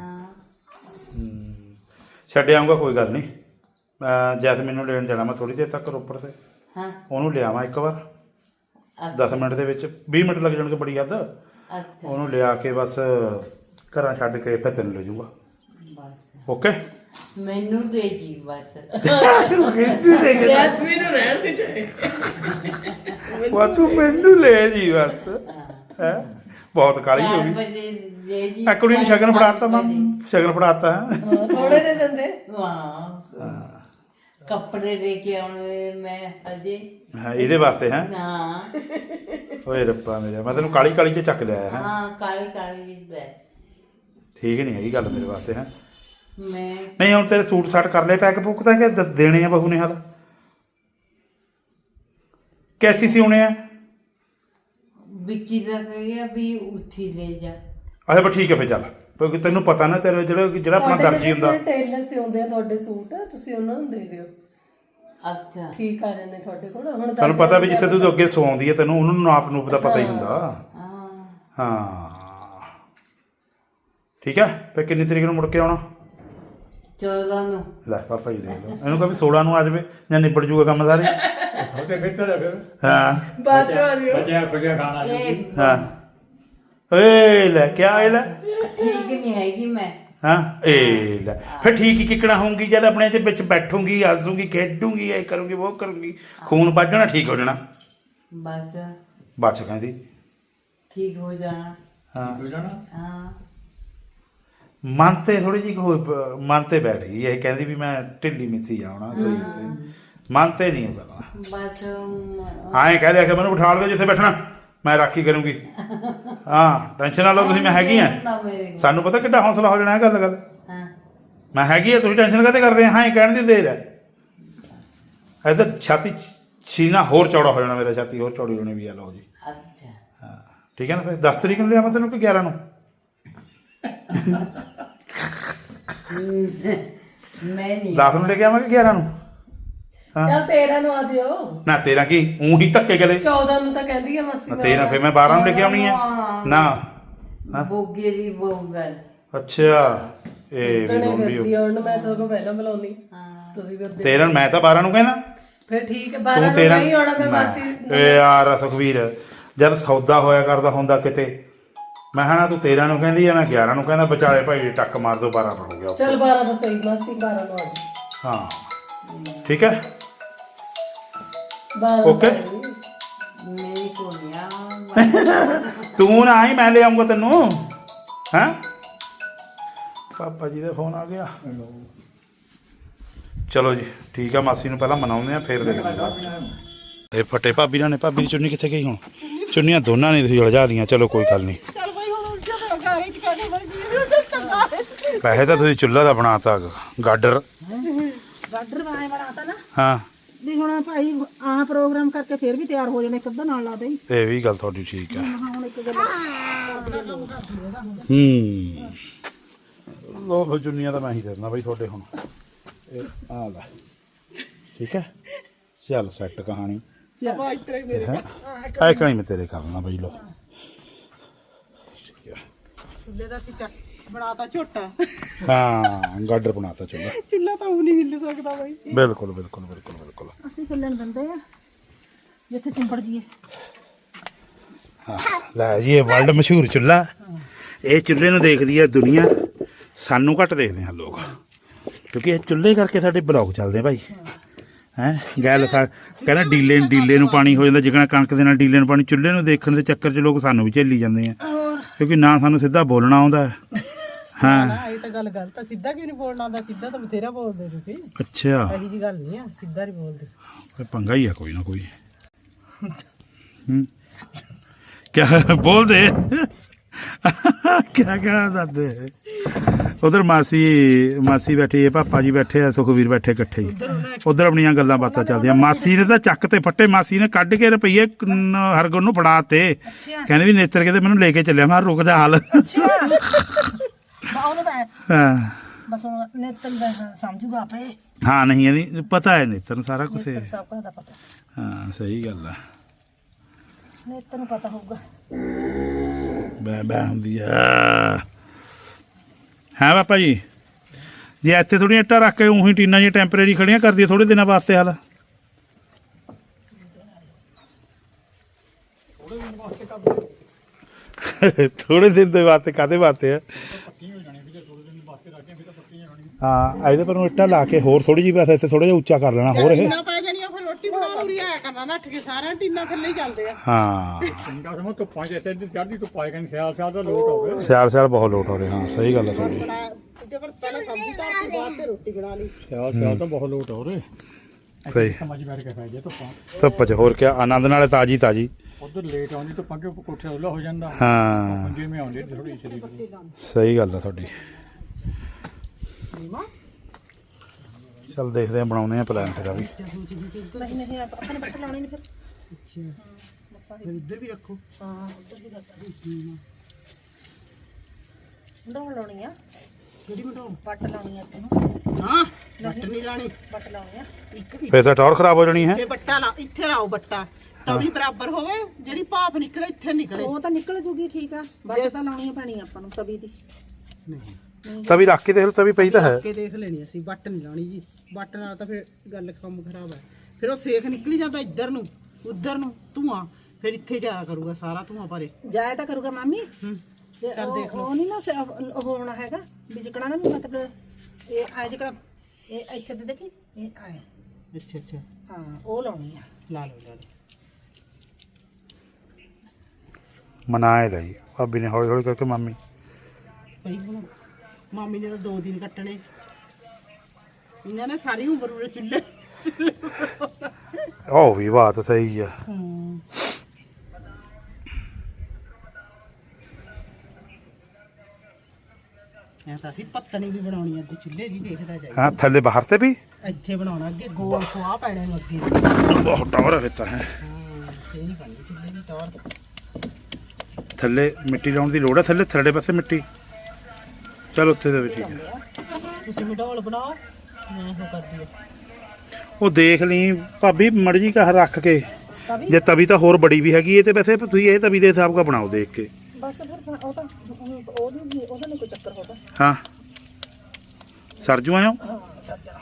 ਛੱਡ ਆਊਂਗਾ ਕੋਈ ਗੱਲ ਨਹੀਂ ਜੈਸਮੀਨ ਨੂੰ ਲੈਣ ਜਾਣਾ ਮੈਂ ਥੋੜੀ ਦੇਰ ਤੱਕ ਰੋਪੜ ਤੇ ਹਾਂ ਉਹਨੂੰ ਲਿਆਵਾਂ ਇੱਕ ਵਾਰ 10 ਮਿੰਟ ਦੇ ਵਿੱਚ 20 ਮਿੰਟ ਲੱਗ ਜਾਣਗੇ ਬੜੀ ਹੱਦ ਅੱਛਾ ਉਹਨੂੰ ਲਿਆ ਕੇ ਬਸ ਘਰਾਂ ਛੱਡ ਕੇ ਫਿਰ ਤੈਨੂੰ ਲੈ ਜਾਊਂਗਾ ਬਸ ਓਕੇ ਮੈਨੂੰ ਦੇ ਜੀ ਬਸ ਜੈਸਮੀਨ ਨੂੰ ਰਹਿਣ ਦੇ ਚਾਹੇ ਵਾ ਤੂੰ ਮੈਨੂੰ ਲੈ ਜੀ ਬਸ ਹੈ ਬਹੁਤ ਕਾਲੀ ਹੋ 4 ਗਈ ਵਜੇ ਦੇ ਜੀ ਆ ਕੁੜੀ ਨੂੰ ਸ਼ਗਨ ਫੜਾਤਾ ਮਾਂ ਸ਼ਗਨ ਫੜਾਤਾ ਥੋੜੇ ਦੇ ਦਿੰਦੇ ਵਾਹ ਕੱਪੜੇ ਦੇ ਕੇ ਆਉਣੇ ਮੈਂ ਅਜੇ ਹਾਂ ਇਹਦੇ ਵਾਸਤੇ ਹੈ ਨਾ ਓਏ ਰੱਬਾ ਮੇਰਾ ਮੈਂ ਤੈਨੂੰ ਕਾਲੀ ਕਾਲੀ ਚ ਚੱਕ ਲਿਆ ਹੈ ਹਾਂ ਕਾਲੀ ਕਾਲੀ ਬੈ ਠੀਕ ਨਹੀਂ ਹੈਗੀ ਗੱਲ ਮੇਰੇ ਵਾਸਤੇ ਹੈ ਮੈਂ ਨਹੀਂ ਹੁਣ ਤੇਰੇ ਸੂਟ ਸਾਟ ਕਰ ਲਏ ਪੈਕ ਪੁੱਕ ਤਾਂ ਕਿ ਦੇਣੇ ਆ ਬਹੂ ਨੇ ਹਾਲ ਕੈਸੀ ਸਿਉਣੇ ਆ ਵਿੱਕੀ ਦਾ ਕਹਿਆ ਵੀ ਉੱਥੀ ਲੈ ਜਾ ਅੱਛਾ ਬਸ ਠੀਕ ਹੈ ਫੇ ਚੱਲ ਕਿਉਂਕਿ ਤੈਨੂੰ ਪਤਾ ਨਾ ਤੇਰੇ ਜਿਹੜਾ ਆਪਣਾ ਦਰਜੀ ਹੁੰਦਾ ਟੇਲਰ ਸਿਉਂਦੇ ਆ ਤੁਹਾਡੇ ਸੂਟ ਤੁਸੀਂ ਉਹਨਾਂ ਨੂੰ ਦੇ ਦਿਓ ਅੱਛਾ ਠੀਕ ਆ ਜਾਂਦੇ ਤੁਹਾਡੇ ਕੋਲ ਹੁਣ ਸਾਨੂੰ ਪਤਾ ਵੀ ਜਿੱਥੇ ਤੂੰ ਅੱਗੇ ਸਵਾਉਂਦੀ ਹੈ ਤੈਨੂੰ ਉਹਨਾਂ ਨੂੰ ਨਾਪ ਨੂਪ ਦਾ ਪਤਾ ਹੀ ਹੁੰਦਾ ਹਾਂ ਹਾਂ ਠੀਕ ਹੈ ਫੇ ਕਿੰਨੀ ਤਰੀਕ ਨੂੰ ਮੁੜ ਕੇ ਆਉਣਾ 14 ਨੂੰ ਲੈ ਪਾਪਾ ਜੀ ਦੇਖ ਲਓ ਇਹਨੂੰ ਕਹੇ 16 ਨੂੰ ਆ ਜਾਵੇ ਜਾਂ ਨਿਬੜ ਜੂਗਾ ਕੰਮ ਸਾਰੇ ਸਾਡੇ ਬਿਹਤਰ ਹੈ ਫਿਰ ਹਾਂ ਬਾਅਦ ਚ ਆ ਜਿਓ ਬੱਚਿਆਂ ਖੁੱਲਿਆ ਖਾਣਾ ਇਹ ਹਾਂ ਏ ਲੈ ਕੀ ਆਏ ਲੈ ਠੀਕ ਨਹੀਂ ਹੈਗੀ ਮੈਂ ਹਾਂ ਏ ਲੈ ਫਿਰ ਠੀਕ ਹੀ ਕਿੱਕਣਾ ਹੋਊਗੀ ਜਦ ਆਪਣੇ ਚ ਵਿੱਚ ਬੈਠੂਗੀ ਹੱਸੂਗੀ ਖੇਡੂਗੀ ਇਹ ਕਰੂੰਗੀ ਉਹ ਕਰੂੰਗੀ ਖੂਨ ਵੱਜਣਾ ਠੀਕ ਹੋ ਜਾਣਾ ਬਸ ਬਚ ਕਹਿੰਦੀ ਠੀਕ ਹੋ ਜਾਣਾ ਹਾਂ ਹੋ ਜਾਣਾ ਹਾਂ ਮਨ ਤੇ ਥੋੜੀ ਜਿਹੀ ਮਨ ਤੇ ਬੈਠ ਗਈ ਇਹ ਕਹਿੰਦੀ ਵੀ ਮੈਂ ਢਿੱਲੀ ਮਿੱਸੀ ਜਾਉਣਾ ਸਰੀਰ ਤੇ ਮਨ ਤੇ ਨਹੀਂ ਪਤਾ ਬਸ ਹਾਂ ਕਹਿ ਰਿਹਾ ਕਿ ਮੈਨੂੰ ਬਿਠਾ ਦਿਓ ਜਿੱਥੇ ਬੈਠਣਾ ਮੈਂ ਰਾਖੀ ਕਰੂੰਗੀ ਹਾਂ ਟੈਨਸ਼ਨ ਨਾ ਲਓ ਤੁਸੀਂ ਮੈਂ ਹੈਗੀ ਆ ਨਾ ਮੇਰੇ ਕੋਲ। ਸਾਨੂੰ ਪਤਾ ਕਿੱਡਾ ਹੌਸਲਾ ਹੋ ਜਾਣਾ ਇਹ ਗੱਲ ਹਾਂ ਮੈਂ ਹੈਗੀ ਆ ਤੁਸੀਂ ਟੈਨਸ਼ਨ ਕਾਹਤੇ ਕਰਦੇ ਆ ਹਾਂ ਇਹ ਕਹਿਣ ਦੀ ਦੇਰ ਹੈ ਇਹ ਤਾਂ ਛਾਤੀ ਸੀਨਾ ਹੋਰ ਚੌੜਾ ਹੋ ਜਾਣਾ ਮੇਰਾ ਛਾਤੀ ਹੋਰ ਚੌੜੀ ਹੋਣੀ ਵੀ ਆ ਲਓ ਜੀ ਅੱਛਾ ਹਾਂ ਠੀਕ ਹੈ ਨਾ ਫਿਰ 10 ਤਰੀਕ ਨੂੰ ਲਿਆਵਾਂ ਤੈਨੂੰ ਕਿ 11 ਨੂੰ ਮੈਂ ਨਹੀਂ 10 ਨੂੰ ਲੈ ਕੇ ਆਵਾਂਗੇ 11 ਨੂੰ ਚੱਲ 13 ਨੂੰ ਆ ਜਿਓ ਨਾ ਤੇਰਾ ਕੀ ਊਂ ਹੀ ਧੱਕੇ ਗਲੇ 14 ਨੂੰ ਤਾਂ ਕਹਿੰਦੀ ਆ ਮਾਸੀ ਨਾ ਤੇਰਾ ਫਿਰ ਮੈਂ 12 ਨੂੰ ਲੈ ਕੇ ਆਉਣੀ ਹੈ ਨਾ ਬੋਗੇ ਦੀ ਬੋਗਲ ਅੱਛਾ ਇਹ ਵੀ ਤਣੇ ਲੋਂਡੀ ਫਿਰਦੀ ਹੁਣ ਮੈਂ ਤੁਹਾਡੇ ਕੋਲ ਪਹਿਲਾਂ ਬੁਲਾਉਣੀ ਤੁਸੀਂ ਫਿਰ ਦੇ 13 ਮੈਂ ਤਾਂ 12 ਨੂੰ ਕਹਿਣਾ ਫਿਰ ਠੀਕ ਹੈ ਤੂੰ 12 ਨੂੰ 13 ਨਹੀਂ ਆਉਣਾ ਮੈਂ ਮਾਸੀ ਏ ਯਾਰ ਸੁਖਵੀਰ ਜਦ ਸੌਦਾ ਹੋਇਆ ਕਰਦਾ ਹੁੰਦਾ ਕਿਤੇ ਮੈਂ ਹਨਾ ਤੂੰ 13 ਨੂੰ ਕਹਿੰਦੀ ਆ ਮੈਂ 11 ਨੂੰ ਕਹਿੰਦਾ ਵਿਚਾਲੇ ਭਾਈ ਟੱਕ ਮਾਰ ਦੋ 12 ਨੂੰ ਹੋ ਗਿਆ ਚੱਲ 12 ਤੋਂ ਸਹੀ ਮਾਸੀ 12 ਨੂੰ ਆ ਜੀ ਹਾਂ ਠੀਕ ਹੈ 12 ਓਕੇ ਮੇਰੇ ਕੋਲ ਨਹੀਂ ਤੂੰ ਨਾ ਆਈ ਮੈਂ ਲੈ ਆਉਂਗਾ ਤੈਨੂੰ ਹੈਂ ਪਾਪਾ ਜੀ ਦਾ ਫੋਨ ਆ ਗਿਆ ਚਲੋ ਜੀ ਠੀਕ ਆ ਮਾਸੀ ਨੂੰ ਪਹਿਲਾਂ ਮਨਾਉਂਦੇ ਆ ਫਿਰ ਦੇਖਦੇ ਆ ਇਹ ਫਟੇ ਭਾਬੀ ਨਾਲ ਨੇ ਭਾਬੀ ਦੀ ਚੁੰਨੀ ਕਿੱਥੇ ਗਈ ਹੁਣ ਚੁੰਨੀਆਂ ਦੋਨਾਂ ਨੇ ਤੁਸੀਂ ਉਲਝਾ ਲੀਆਂ ਚਲੋ ਕੋਈ ਗੱਲ ਨਹੀਂ ਚੱਲ ਬਾਈ ਹੁਣ ਉਲਝਾ ਤਾਂ ਘਰ ਚ ਕਾਹਦੇ ਬਾਈ ਪੈਸੇ ਤਾਂ ਤੁਸੀਂ ਚੁੱਲ੍ਹਾ ਦਾ ਬਣਾਤਾ ਗਾਡਰ ਗਾਡਰ ਵਾਏ ਬਣਾਤਾ ਨਾ ਹਾਂ ਵੀ ਹੁਣ ਭਾਈ ਆਹ ਪ੍ਰੋਗਰਾਮ ਕਰਕੇ ਫੇਰ ਵੀ ਤਿਆਰ ਹੋ ਜਾਣੇ ਇੱਕ ਅੱਧਾ ਨਾਲ ਲਾ ਦੇ ਇਹ ਵੀ ਗੱਲ ਤੁਹਾਡੀ ਠੀਕ ਹੈ ਹੁਣ ਇੱਕ ਗੱਲ ਲੋ ਚੁੰਨੀਆਂ ਤਾਂ ਮੈਂ ਹੀ ਦੇਣਾ ਬਈ ਤੁਹਾਡੇ ਹੁਣ ਇਹ ਆ ਲੈ ਠੀਕ ਹੈ ਚੱਲ ਸੈੱਟ ਕਹਾਣੀ ਆਵਾਜ਼ ਤੇਰੇ ਮੇਰੇ ਐ ਕਣੀ ਮੈਂ ਤੇਰੇ ਕਰਨਾ ਬਈ ਲੋ ਚੁੱਲ੍ਹੇ ਦਾ ਸੀ ਬਣਾਤਾ ਝੋਟਾ ਹਾਂ ਗਾਡਰ ਬਣਾਤਾ ਚੁੱਲ੍ਹਾ ਚੁੱਲ੍ਹਾ ਤਾਂ ਉਹ ਨਹੀਂ ਹਿੱਲ ਸਕਦਾ ਬਾਈ ਬਿਲਕੁਲ ਬਿਲਕੁਲ ਬਿਲਕੁਲ ਬਿਲਕੁਲ ਅਸੀਂ ਹਿੱਲਣ ਦਿੰਦੇ ਆ ਜਿੱਥੇ ਚਿੰਬੜ ਜੀਏ ਹਾਂ ਲੈ ਜੀ ਇਹ ਵਰਲਡ ਮਸ਼ਹੂਰ ਚੁੱਲ੍ਹਾ ਇਹ ਚੁੱਲ੍ਹੇ ਨੂੰ ਦੇਖਦੀ ਹੈ ਦੁਨੀਆ ਸਾਨੂੰ ਘੱਟ ਦੇਖਦੇ ਹਨ ਲੋਕ ਕਿਉਂਕਿ ਇਹ ਚੁੱਲ੍ਹੇ ਕਰਕੇ ਸਾਡੇ ਬਲੌਗ ਚੱਲਦੇ ਆ ਭਾਈ ਹੈਂ ਗੱਲ ਕਹਿੰਦਾ ਡੀਲੇ ਨੂੰ ਪਾਣੀ ਹੋ ਜਾਂਦਾ ਜਿਕਣਾ ਕਣਕ ਦੇ ਨਾਲ ਡੀਲੇ ਨੂੰ ਪਾਣੀ ਚੁੱਲ੍ਹੇ ਨੂੰ ਦੇਖਣ ਦੇ ਚੱਕਰ 'ਚ ਲੋਕ ਸਾਨੂੰ ਵੀ ਝੇਲੀ ਜਾਂਦੇ ਆ ਕਿਉਂਕਿ ਨਾ ਸਾਨੂੰ ਸਿੱਧਾ ਬੋਲਣਾ ਆਉਂਦਾ ਹਾਂ ਇਹ ਤਾਂ ਗੱਲ ਗਲਤ ਆ ਸਿੱਧਾ ਕਿਉਂ ਨਹੀਂ ਬੋਲਣਾ ਆਉਂਦਾ ਸਿੱਧਾ ਤਾਂ ਬਥੇਰਾ ਬੋਲਦੇ ਤੁਸੀਂ ਅੱਛਾ ਇਹੀ ਜੀ ਗੱਲ ਨਹੀਂ ਆ ਸਿੱਧਾ ਨਹੀਂ ਬੋਲਦੇ ਕੋਈ ਪੰਗਾ ਹੀ ਆ ਕੋਈ ਨਾ ਕੋਈ ਕਿਆ ਬੋਲਦੇ ਕਿਆ ਕਹਿਣਾ ਦਾਦੇ ਉਧਰ ਮਾਸੀ ਬੈਠੀ ਹੈ ਪਾਪਾ ਜੀ ਬੈਠੇ ਆ ਸੁਖਵੀਰ ਬੈਠੇ ਇਕੱਠੇ ਹੀ ਉਧਰ ਆਪਣੀਆਂ ਗੱਲਾਂ ਬਾਤਾਂ ਚੱਲਦੀਆਂ ਮਾਸੀ ਨੇ ਤਾਂ ਚੱਕ ਤੇ ਫੱਟੇ ਮਾਸੀ ਨੇ ਕੱਢ ਕੇ ਰੁਪਈਏ ਹਰਗੁਣ ਨੂੰ ਫੜਾ ਤੇ ਕਹਿੰਦੇ ਵੀ ਨੇਤਰ ਕਹਿੰਦੇ ਮੈਨੂੰ ਲੈ ਕੇ ਚੱਲਿਆ ਮੈਂ ਰੁਕ ਜਾ ਹਾਲ ਹਾਂ ਬਸ ਨੇਤਨ ਦਾ ਸਮਝੂਗਾ ਆਪੇ ਹਾਂ ਨਹੀਂ ਇਹਦੀ ਪਤਾ ਹੈ ਨੇਤਰ ਨੂੰ ਸਾਰਾ ਕੁਝ ਸਭ ਕੁਝ ਦਾ ਪਤਾ ਹਾਂ ਸਹੀ ਗੱਲ ਆ ਨੇਤਨ ਨੂੰ ਪਤਾ ਹੋਊਗਾ ਬੈ ਹੁੰਦੀ ਆ ਹਾਂ ਪਾਪਾ ਜੀ ਜੇ ਇੱਥੇ ਥੋੜ੍ਹੀਆਂ ਇੱਟਾਂ ਰੱਖ ਕੇ ਉਹੀ ਟੀਨਾਂ ਜਿਹੀਆਂ ਟੈਂਪਰੇਰੀ ਖੜੀਆਂ ਕਰਦੀ ਥੋੜੇ ਦਿਨਾਂ ਵਾਸਤੇ ਹਾਲ ਥੋੜੇ ਦਿਨ ਦੇ ਵਾਸਤੇ ਕਾਹਦੇ ਵਾਸਤੇ ਆ ਹਾਂ ਇਹਦੇ ਪਰ ਨੂੰ ਇੱਟਾਂ ਲਾ ਕੇ ਹੋਰ ਥੋੜੀ ਜਿਹੀ ਬਸ ਇੱਥੇ ਥੋੜਾ ਜਿਹਾ ਉੱਚਾ ਕਰ ਲੈਣਾ ਹੋਰ ਇਹ ਟੀਨਾ ਪੈ ਜਾਣੀਆਂ ਫਿਰ ਰੋਟੀ ਬਣਾਉਣ ਨੂੰ ਰਿਆ ਕਰਨਾ ਨੱਠ ਕੇ ਸਾਰਿਆਂ ਟੀਨਾ ਥੱਲੇ ਹੀ ਚੱਲਦੇ ਆ। ਹਾਂ ਚੰਗਾ ਸਮਾਂ ਧੁੱਪਾਂ 'ਚ ਇੱਥੇ ਚੜ੍ਹਦੀ ਧੁੱਪ ਆਏ ਕਹਿੰਦੇ ਸਿਆਲ ਸਿਆਲ ਦਾ ਲੋਟ ਹੋਵੇ। ਸਿਆਲ ਬਹੁਤ ਲੋਟ ਹੋ ਰਹੇ ਹਾਂ ਸਹੀ ਗੱਲ ਹੈ ਤੁਹਾਡੀ ਜੇ ਪਰ ਪਹਿਲਾਂ ਸਬਜ਼ੀ ਧਰ ਕੇ ਬਾਅਦ ਤੇ ਰੋਟੀ ਬਣਾ ਲਈ। ਸਿਆਲ ਤਾਂ ਬਹੁਤ ਲੋਟ ਹੋ ਰਹੇ। ਸਹੀ ਸਮਝ ਬੈਠ ਕੇ ਪੈ ਜੇ ਧੁੱਪਾਂ ਧੁੱਪ 'ਚ ਹੋਰ ਕਿਆ ਆਨੰਦ ਨਾਲੇ ਤਾਜੀ ਉਧਰ ਲੇਟ ਆਉਂਦੀ ਧੁੱਪਾਂ ਕਿ ਕੋਠੇ ਉੱਲਾ ਹੋ ਜਾਂਦਾ। ਹਾਂ ਪੰਜੇ ਮੇ ਆਉਂਦੀ ਥੋੜੀ ਸ਼ਰੀਰ ਸਹੀ ਗੱਲ ਹੈ ਤੁਹਾਡੀ ਚੱਲ ਦੇਖਦੇ ਆ ਬਣਾਉਂਦੇ ਆ ਪਲਾਨ ਤੇਰਾ ਵੀ ਨਹੀਂ ਨਹੀਂ ਆਪਾਂ ਨੇ ਬੱਟ ਲਾਉਣੀ ਨਹੀਂ ਫਿਰ ਅੱਛਾ ਫਿਰ ਇੱਧਰ ਵੀ ਰੱਖੋ ਹਾਂ ਉੱਧਰ ਵੀ ਰੱਖ ਡੋਲ ਲਾਉਣੀ ਆ ਜਿਹੜੀ ਮੈਂ ਬੱਟ ਲਾਉਣੀ ਆ ਤੈਨੂੰ ਹਾਂ ਬੱਟ ਨਹੀਂ ਲਾਣੀ ਬੱਟ ਲਾਉਣੀ ਆ ਇੱਕ ਫੇਰ ਤਾਂ ਟੌਰ ਖਰਾਬ ਹੋ ਜਾਣੀ ਹੈ ਤੇ ਬੱਟਾ ਲਾ ਇੱਥੇ ਲਾਓ ਬੱਟਾ ਤਵੀ ਬਰਾਬਰ ਹੋਵੇ ਜਿਹੜੀ ਭਾਪ ਨਿਕਲੇ ਇੱਥੇ ਨਿਕਲੇ। ਉਹ ਤਾਂ ਨਿਕਲ ਜੂਗੀ ਠੀਕ ਆ ਬੱਟ ਤਾਂ ਲਾਉਣੀ ਪੈਣੀ ਆਪਾਂ ਨੂੰ ਤਵੀ ਦੀ ਤਵੀ ਰੱਖ ਕੇ ਦੇਖ ਲਓ ਤਵੀ ਪਈ ਤਾਂ ਹੈ ਕੇ ਦੇਖ ਲੈਣੀ ਅਸੀਂ ਬੱਟ ਨਹੀਂ ਲਾਣੀ ਜੀ ਬੱਟ ਨਾਲ ਤਾਂ ਫਿਰ ਗੱਲ ਕੰਮ ਖਰਾਬ ਹੈ ਫਿਰ ਉਹ ਸੇਖ ਨਿਕਲੀ ਜਾਂਦਾ ਇੱਧਰ ਨੂੰ ਉੱਧਰ ਨੂੰ ਧੂਆਂ ਫਿਰ ਇੱਥੇ ਜਾਇਆ ਕਰੂਗਾ ਸਾਰਾ ਧੂਆਂ ਭਰੇ ਜਾਇਆ ਤਾਂ ਕਰੂਗਾ ਮਾਮੀ ਚੱਲ ਦੇਖ ਲਓ ਉਹ ਨਹੀਂ ਨਾ ਉਹ ਹੋਣਾ ਹੈਗਾ ਵੀ ਜਿਕਣਾ ਨਾ ਮਤਲਬ ਇਹ ਆ ਜਿਕਣਾ ਇਹ ਇੱਥੇ ਤੇ ਦੇਖੀ ਇਹ ਆਏ ਅੱਛਾ ਅੱਛਾ ਹਾਂ ਉਹ ਲਾਉਣੀ ਆ ਲਾ ਲਓ ਮਨਾਏ ਲਈ ਭਾਬੀ ਨੇ ਹੌਲੀ ਹੌਲੀ ਕਰਕੇ ਮਾਮੀ ਪਈ ਹੁਣ ਮਾਮੀ ਨੇ ਤਾਂ 2 ਦਿਨ ਕੱਟਣੇ ਇਹਨਾਂ ਨੇ ਸਾਰੀ ਉਮਰ ਉਰੇ ਚੁੱਲ੍ਹੇ ਉਹ ਵੀ ਬਾਤ ਸਹੀ ਆ ਐ ਤਾਂ ਅਸੀਂ ਪੱਤਣੀ ਵੀ ਬਣਾਉਣੀ ਅੱਧੇ ਚੁੱਲ੍ਹੇ ਦੀ ਦੇਖਦਾ ਜਾਈ ਹਾਂ ਥੱਲੇ ਬਾਹਰ ਤੇ ਵੀ ਇੱਥੇ ਬਣਾਉਣਾ ਅੱਗੇ ਗੋਲ ਸਵਾਹ ਪੈਣੇ ਨੂੰ ਅੱਗੇ ਬਹੁਤ ਟੌਰ ਦਿੱਤਾ ਹੈ ਇਹ ਨਹੀਂ ਬਣਦੀ ਚੁੱਲ੍ਹੇ ਦੀ ਟੌਰ ਥੱਲੇ ਮਿੱਟੀ ਲਾਉਣ ਦੀ ਲੋੜ ਹੈ ਥੱਲੇ ਪਾਸੇ ਮਿੱਟੀ ਚਲ ਉੱਥੇ ਦੇ ਵਿੱਚ ਠੀਕ ਹੈ ਤੁਸੀਂ ਮਡੋਲ ਬਣਾਓ ਮੈਂ ਉਹ ਕਰਦੀ ਆ ਉਹ ਦੇਖ ਲਈ ਭਾਬੀ ਮਰਜੀ ਕਹ ਰੱਖ ਕੇ ਜੇ ਤਵੀ ਤਾਂ ਹੋਰ ਬੜੀ ਵੀ ਹੈਗੀ ਇਹ ਤੇ ਵੈਸੇ ਤੁਸੀਂ ਇਹ ਤਵੀ ਦੇ ਹਿਸਾਬ ਦਾ ਬਣਾਓ ਦੇਖ ਕੇ ਬਸ ਫਿਰ ਉਹ ਤਾਂ ਉਹਦਾ ਨਹੀਂ ਕੋਈ ਚੱਕਰ ਹੋਦਾ ਹਾਂ ਸਰਜੂ ਆਇਓ ਹਾਂ ਸਰ ਜਾ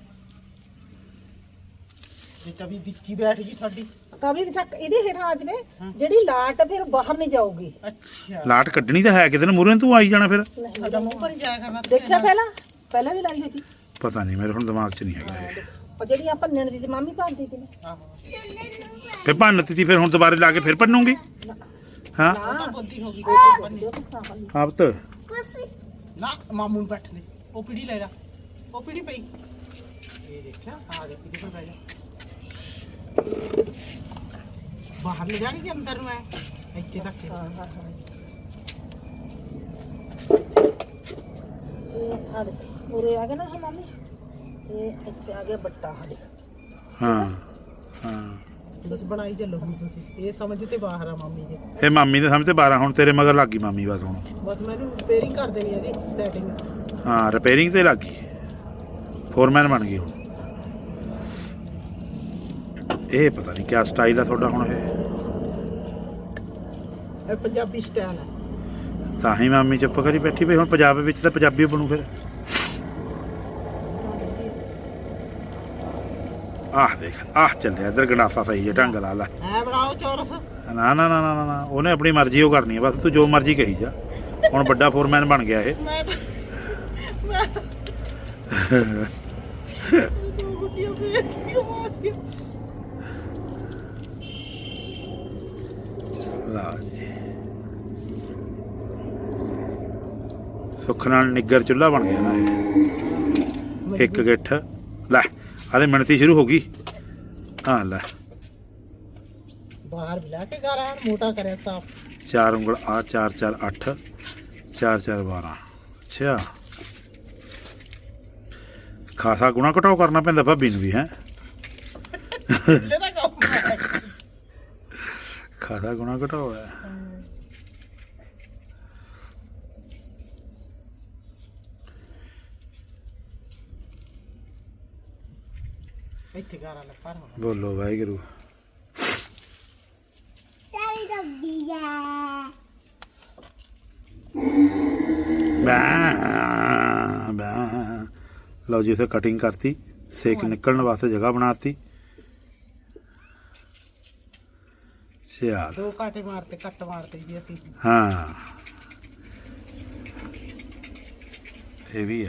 ਜੇ ਤਵੀ ਵਿੱਚ ਹੀ ਬੈਠ ਗਈ ਤੁਹਾਡੀ ਤਵੀ ਚੱਕ ਇਹਦੇ ਹੇਠਾਂ ਆ ਜਵੇ ਜਿਹੜੀ ਲਾਟ ਫਿਰ ਬਾਹਰ ਨਹੀਂ ਜਾਊਗੀ ਅੱਛਾ ਲਾਟ ਕੱਢਣੀ ਤਾਂ ਹੈ ਕਿਤੇ ਨੂੰ ਮੂਰੇ ਤੂੰ ਆਈ ਜਾਣਾ ਫਿਰ ਅਦਾ ਮੂੰਹ ਪਰ ਜਾਇਆ ਕਰਨਾ ਦੇਖਿਆ ਪਹਿਲਾਂ ਵੀ ਲਾਈ ਹੋਈ ਸੀ ਪਤਾ ਨਹੀਂ ਮੇਰੇ ਹੁਣ ਦਿਮਾਗ 'ਚ ਨਹੀਂ ਹੈਗਾ ਇਹ ਉਹ ਜਿਹੜੀ ਆਪਾਂ ਨਣ ਦੀ ਮਾਮੀ ਭਰਦੀ ਸੀ ਫਿਰ ਭੰਨਤੀ ਤੀ ਫਿਰ ਹੁਣ ਦੁਬਾਰੇ ਲਾ ਕੇ ਫਿਰ ਭੰਨੂਗੀ ਹਾਂ ਤਾਂ ਬੰਦੀ ਹੋ ਗਈ ਆਪ ਤਾਂ ਨਾ ਮਾਮੂ ਨੂੰ ਬੈਠ ਲੈ ਉਹ ਪੀੜੀ ਲੈ ਲੈ ਉਹ ਪੀੜੀ ਪਈ ਇਹ ਦੇਖਿਆ ਆ ਦੇ ਪੀੜੀ ਪਰ ਬੈ ਜਾ ਬਾਹਰ ਲੈ ਜਾਣੀ ਕਿ ਅੰਦਰ ਨੂੰ ਹੈ ਇੱਥੇ ਤੱਕ ਇਹ ਆ ਦੇ ਉਰੇ ਆ ਗਿਆ ਨਾ ਇਹ ਮਾਮੀ ਇਹ ਇੱਥੇ ਆ ਗਿਆ ਬੱਟਾ ਸਾਡੇ ਹਾਂ ਹਾਂ ਬਸ ਬਣਾਈ ਚੱਲੋ ਹੁਣ ਤੁਸੀਂ ਇਹ ਸਮਝ ਤੇ ਬਾਹਰ ਆ ਮਾਮੀ ਦੇ ਇਹ ਮਾਮੀ ਦੇ ਸਾਹਮਣੇ 12 ਹੁਣ ਤੇਰੇ ਮਗਰ ਲੱਗ ਗਈ ਮਾਮੀ ਬਸ ਹੁਣ ਬਸ ਮੈਨੂੰ ਰਿਪੇਅਰਿੰਗ ਕਰ ਦੇਣੀ ਇਹਦੀ ਸੈਟਿੰਗ ਹਾਂ ਰਿਪੇਅਰਿੰਗ ਤੇ ਲੱਗ ਗਈ ਫੋਰਮੈਨ ਬਣ ਗਈ ਹੁਣ ਇਹ ਪਤਾ ਨਹੀਂ ਕਿਆ ਸਟਾਈਲ ਆ ਤੁਹਾਡਾ ਹੁਣ ਇਹ ਪੰਜਾਬੀ ਸਟਾਈਲ ਹੈ ਤਾਂ ਹੀ ਮਾਮੀ ਚੁੱਪ ਕਰੀ ਬੈਠੀ ਵੀ ਹੁਣ ਪੰਜਾਬ ਵਿੱਚ ਤਾਂ ਪੰਜਾਬੀ ਬਣੂ ਫਿਰ ਆਹ ਦੇਖ ਆਹ ਚੱਲਿਆ ਇੱਧਰ ਗੰਡਾਸਾ ਸਹੀ ਹੈ ਢੰਗ ਲਾ ਲੈ ਐ ਬਣਾਓ ਚੌਰਸ ਨਾ ਨਾ ਨਾ ਨਾ ਨਾ ਉਹਨੇ ਆਪਣੀ ਮਰਜ਼ੀ ਉਹ ਕਰਨੀ ਹੈ ਬਸ ਤੂੰ ਜੋ ਮਰਜ਼ੀ ਕਹੀ ਜਾ ਹੁਣ ਵੱਡਾ ਫੋਰਮੈਨ ਬਣ ਗਿਆ ਇਹ ਮੈਂ ਤਾਂ ਦੋ ਗੁੱਟੀਆਂ ਫੇਰ ਕੇ ਮਾਰ ਗਿਆ ਲਾ ਜੀ ਸੁੱਖ ਨਾਲ ਨਿੱਗਰ ਚੁੱਲ੍ਹਾ ਬਣ ਗਿਆ ਨਾ ਇਹ ਇੱਕ ਗਿੱਠ ਲੈ ਆਲੇ ਮਿਣਤੀ ਸ਼ੁਰੂ ਹੋ ਗਈ ਹਾਂ ਲੈ ਬਾਹਰ ਬਿਲਾ ਕੇ ਘਰ ਆਣ ਮੋਟਾ ਕਰਿਆ ਸਾਫ 4 ਉਂਗਲ ਆ 4 4 8 4 4 12 ਅੱਛਾ ਖਾਸਾ ਗੁਣਾ ਘਟਾਓ ਕਰਨਾ ਪੈਂਦਾ ਭਾਬੀ ਨੂੰ ਵੀ ਹੈ ਇਹਦਾ ਕੰਮ ਹੈ ਖਾਸਾ ਗੁਣਾ ਘਟਾਓ ਹੈ ਇੱਥੇ ਘਰ ਆਲੇ ਪਰ ਹੁਣ ਬੋਲੋ ਵਾਹਿਗੁਰੂ ਸਾਰੀ ਡੱਬੀ ਆ ਲਓ ਜੀ ਇਥੇ ਕਟਿੰਗ ਕਰਤੀ ਸੇਕ ਨਿਕਲਣ ਵਾਸਤੇ ਜਗ੍ਹਾ ਬਣਾਤੀ ਚੱਲ ਦੋ ਕਾਟੇ ਮਾਰਤੇ ਕੱਟ ਮਾਰਤੇ ਜੀ ਅਸੀਂ ਹਾਂ ਇਹ ਵੀ ਹੈ।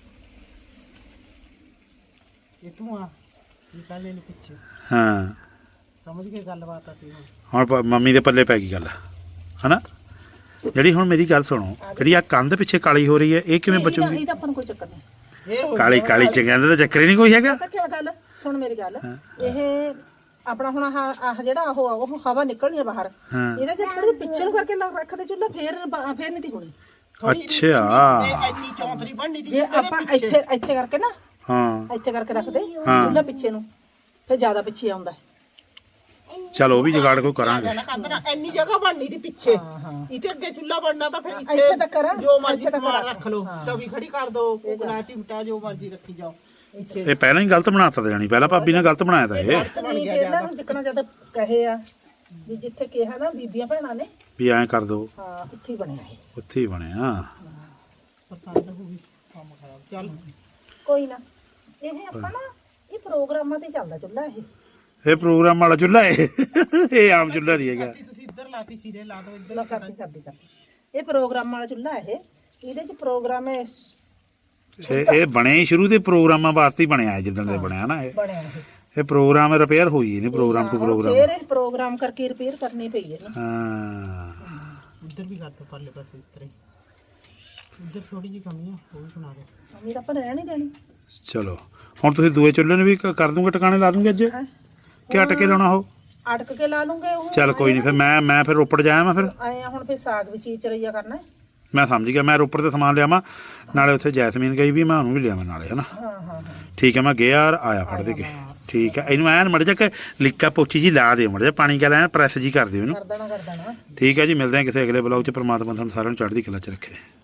ਇਹ ਧੂਆਂ ਨਿਕਾਲੇ ਨੂੰ ਪਿੱਛੇ ਹਾਂ ਸਮਝ ਕੇ ਗੱਲਬਾਤ ਅਸੀਂ ਹੁਣ ਹੁਣ ਮੰਮੀ ਦੇ ਪੱਲੇ ਪੈ ਗਈ ਗੱਲ ਹਨਾ। ਜਿਹੜੀ ਹੁਣ ਮੇਰੀ ਗੱਲ ਸੁਣੋ, ਜਿਹੜੀ ਆ ਕੰਧ ਪਿੱਛੇ ਕਾਲੀ ਹੋ ਰਹੀ ਹੈ ਇਹ ਕਿਵੇਂ ਬਚੂਗੀ? ਇਹਦਾ ਆਪਾਂ ਨੂੰ ਕੋਈ ਚੱਕਰ ਨਹੀਂ। ਇਹ ਕਾਲੀ ਕਾਲੀ ਚੰਗਿਆਂ ਦਾ ਤਾਂ ਚੱਕਰ ਹੀ ਨਹੀਂ ਕੋਈ ਹੈਗਾ। ਪਤਾ ਕੀ ਗੱਲ, ਸੁਣ ਮੇਰੀ ਗੱਲ, ਇਹ ਆਪਣਾ ਹੁਣ ਆਹ ਜਿਹੜਾ ਉਹ ਹਵਾ ਨਿਕਲਣੀ ਆ ਬਾਹਰ, ਇਹਦਾ ਜੇ ਥੋੜੀ ਪਿੱਛੇ ਨੂੰ ਕਰਕੇ ਰੱਖਦੇ ਚੁੱਲ੍ਹਾ ਫੇਰ ਨਹੀਂ ਤੀ ਹੋਣੀ। ਅੱਛਾ ਇੰਨੀ ਚੌਂਤਰੀ ਬਣਨੀ ਦੀ ਜੇ ਆਪਾਂ ਇੱਥੇ ਕਰਕੇ ਨਾ, ਹਾਂ ਇੱਥੇ ਕਰਕੇ ਰੱਖਦੇ ਚੁੱਲ੍ਹਾ ਪਿੱਛੇ ਨੂੰ, ਫਿਰ ਜ਼ਿਆਦਾ ਪਿੱਛੇ ਆਉਂਦਾ। ਚਲ ਉਹ ਵੀ ਜੁਗਾੜ ਕੋਈ ਕਰਾਂਗੇ। ਕੰਦਰਾ ਇੰਨੀ ਜਗ੍ਹਾ ਬਣਨੀ ਦੀ ਪਿੱਛੇ, ਇੱਥੇ ਅੱਗੇ ਚੁੱਲ੍ਹਾ ਬਣਨਾ ਤਾਂ ਫਿਰ ਇੱਥੇ ਤੱਕ ਕਰਾਂ, ਜੋ ਮਰਜ਼ੀ ਸਮਾਨ ਰੱਖ ਲਓ, ਤਵੀ ਖੜੀ ਕਰ ਦੋ, ਕੋਕਣਾ ਚਿਮਟਾ ਜੋ ਮਰਜ਼ੀ ਰੱਖੀ ਜਾਓ। ਇਹ ਪਹਿਲਾਂ ਹੀ ਗਲਤ ਬਣਾਤਾ ਦੇਣੀ, ਪਹਿਲਾਂ ਭਾਬੀ ਨੇ ਗਲਤ ਬਣਾਇਆ ਤਾਂ ਇਹ ਇਹਨਾਂ ਨੂੰ ਜਿੱਕਣਾ ਜਦ ਕਹੇ ਆ ਵੀ ਜਿੱਥੇ ਕਿਹਾ ਨਾ ਬੀਬੀਆਂ ਭੈਣਾਂ ਨੇ ਵੀ ਐਂ ਕਰ ਦੋ, ਹਾਂ ਉੱਥੇ ਹੀ ਬਣਿਆ ਇਹ। ਉੱਥੇ ਹੀ ਬਣਿਆ। ਪਸੰਦ ਹੋ ਗਈ ਕੰਮ ਖਰਾਬ। ਚੱਲ ਕੋਈ ਨਾ, ਇਹ ਆਪਾਂ ਨਾ ਇਹ ਪ੍ਰੋਗਰਾਮਾਂ ਤੇ ਚੱਲਦਾ ਚੁੱਲ੍ਹਾ ਇਹ। ਇਹ ਪ੍ਰੋਗਰਾਮ ਵਾਲਾ ਚੁੱਲ੍ਹਾ ਇਹ ਆਮ ਚੁੱਲ੍ਹਾ ਨਹੀਂ ਹੈਗਾ। ਤੁਸੀਂ ਇੱਧਰ ਲਾਤੀ ਸਿਰੇ ਲਾ ਦੋ ਇੱਧਰ ਲਾ ਕਰਦੀ ਇਹ ਪ੍ਰੋਗਰਾਮ ਵਾਲਾ ਚੁੱਲ੍ਹਾ ਇਹ, ਇਹਦੇ ਚ ਪ੍ਰੋਗਰਾਮ ਹੈ ਇਹ ਬਣਿਆ ਹੀ ਸ਼ੁਰੂ ਦੇ ਪ੍ਰੋਗਰਾਮਾਂ ਵਾਸਤੇ ਹੀ ਬਣਿਆ ਜਿੱਦਣ ਦੇ ਬਣਿਆ ਨਾ ਇਹ ਬਣਿਆ ਇਹ ਪ੍ਰੋਗਰਾਮ ਰਿਪੇਅਰ ਹੋਈ ਨਹੀਂ, ਪ੍ਰੋਗਰਾਮ ਟੂ ਪ੍ਰੋਗਰਾਮ। ਫੇਰ ਇਹ ਪ੍ਰੋਗਰਾਮ ਕਰਕੇ ਰਿਪੇਅਰ ਕਰਨੀ ਪਈ ਹੈ ਨਾ। ਹਾਂ ਇੱਧਰ ਵੀ ਕਰ ਦੋ ਪਰਲੇ ਪਾਸੇ ਇਸ ਤਰ੍ਹਾਂ ਹੀ। ਇੱਧਰ ਥੋੜੀ ਜਿਹੀ ਕਮੀ ਆ, ਉਹ ਵੀ ਬਣਾ ਦੋ। ਅਮੀਰ ਆਪਾਂ ਰਹਿਣ ਨਹੀਂ ਦੇਣੀ। ਚਲੋ ਹੁਣ ਤੁਸੀਂ ਦੂਏ ਚੁੱਲ੍ਹੇ ਨੂੰ ਵੀ ਕਰ ਦੂੰਗੇ, ਟਿਕਾਣੇ ਲਾ ਦੂੰਗੇ ਅੱਜ ਕਿ ਅਟਕੇ ਲਾਉਣਾ ਉਹ? ਅਟਕ ਕੇ ਲਾ ਲੂੰਗੇ ਉਹ। ਚੱਲ ਕੋਈ ਨਹੀਂ, ਫਿਰ ਮੈਂ ਫਿਰ ਰੋਪੜ ਜਾਇਆ ਮੈਂ ਫਿਰ ਆਏ ਹੁਣ ਫਿਰ ਸਾਗ ਵਿੱਚ ਚਰਈਆ ਕਰਨਾ ਹੈ। ਮੈਂ ਸਮਝ ਗਿਆ, ਮੈਂ ਰੋਪੜ ਤੇ ਸਮਾਨ ਲਿਆਵਾਂ ਨਾਲੇ ਉੱਥੇ ਜੈਸਮੀਨ ਗਈ ਵੀ, ਮੈਂ ਉਹਨੂੰ ਵੀ ਲਿਆਵਾਂ ਨਾਲੇ ਹਨਾ। ਠੀਕ ਹੈ, ਮੈਂ ਗਿਆ ਆਇਆ ਫੜ ਦੇ ਕੇ। ਠੀਕ ਹੈ, ਇਹਨੂੰ ਐਨ ਮੜ ਜਾ ਕੇ ਲਿੱਕਾ ਪੋਚੀ ਜੀ ਲਾ ਦਿਓ, ਮੜ ਜਾ ਪਾਣੀ ਗੱਲ ਐਨ ਪ੍ਰੈਸ ਜੀ ਕਰ ਦਿਓ ਇਹਨੂੰ। ਕਰ ਦੇਣਾ ਠੀਕ ਹੈ ਜੀ, ਮਿਲਦੇ ਹਾਂ ਕਿਸੇ ਅਗਲੇ ਬਲੌਗ 'ਚ। ਪਰਮਾਤਮਾ ਤੁਹਾਨੂੰ ਸਾਰਿਆਂ ਨੂੰ ਚੜ੍ਹਦੀ ਕਲਾ 'ਚ ਰੱਖੇ।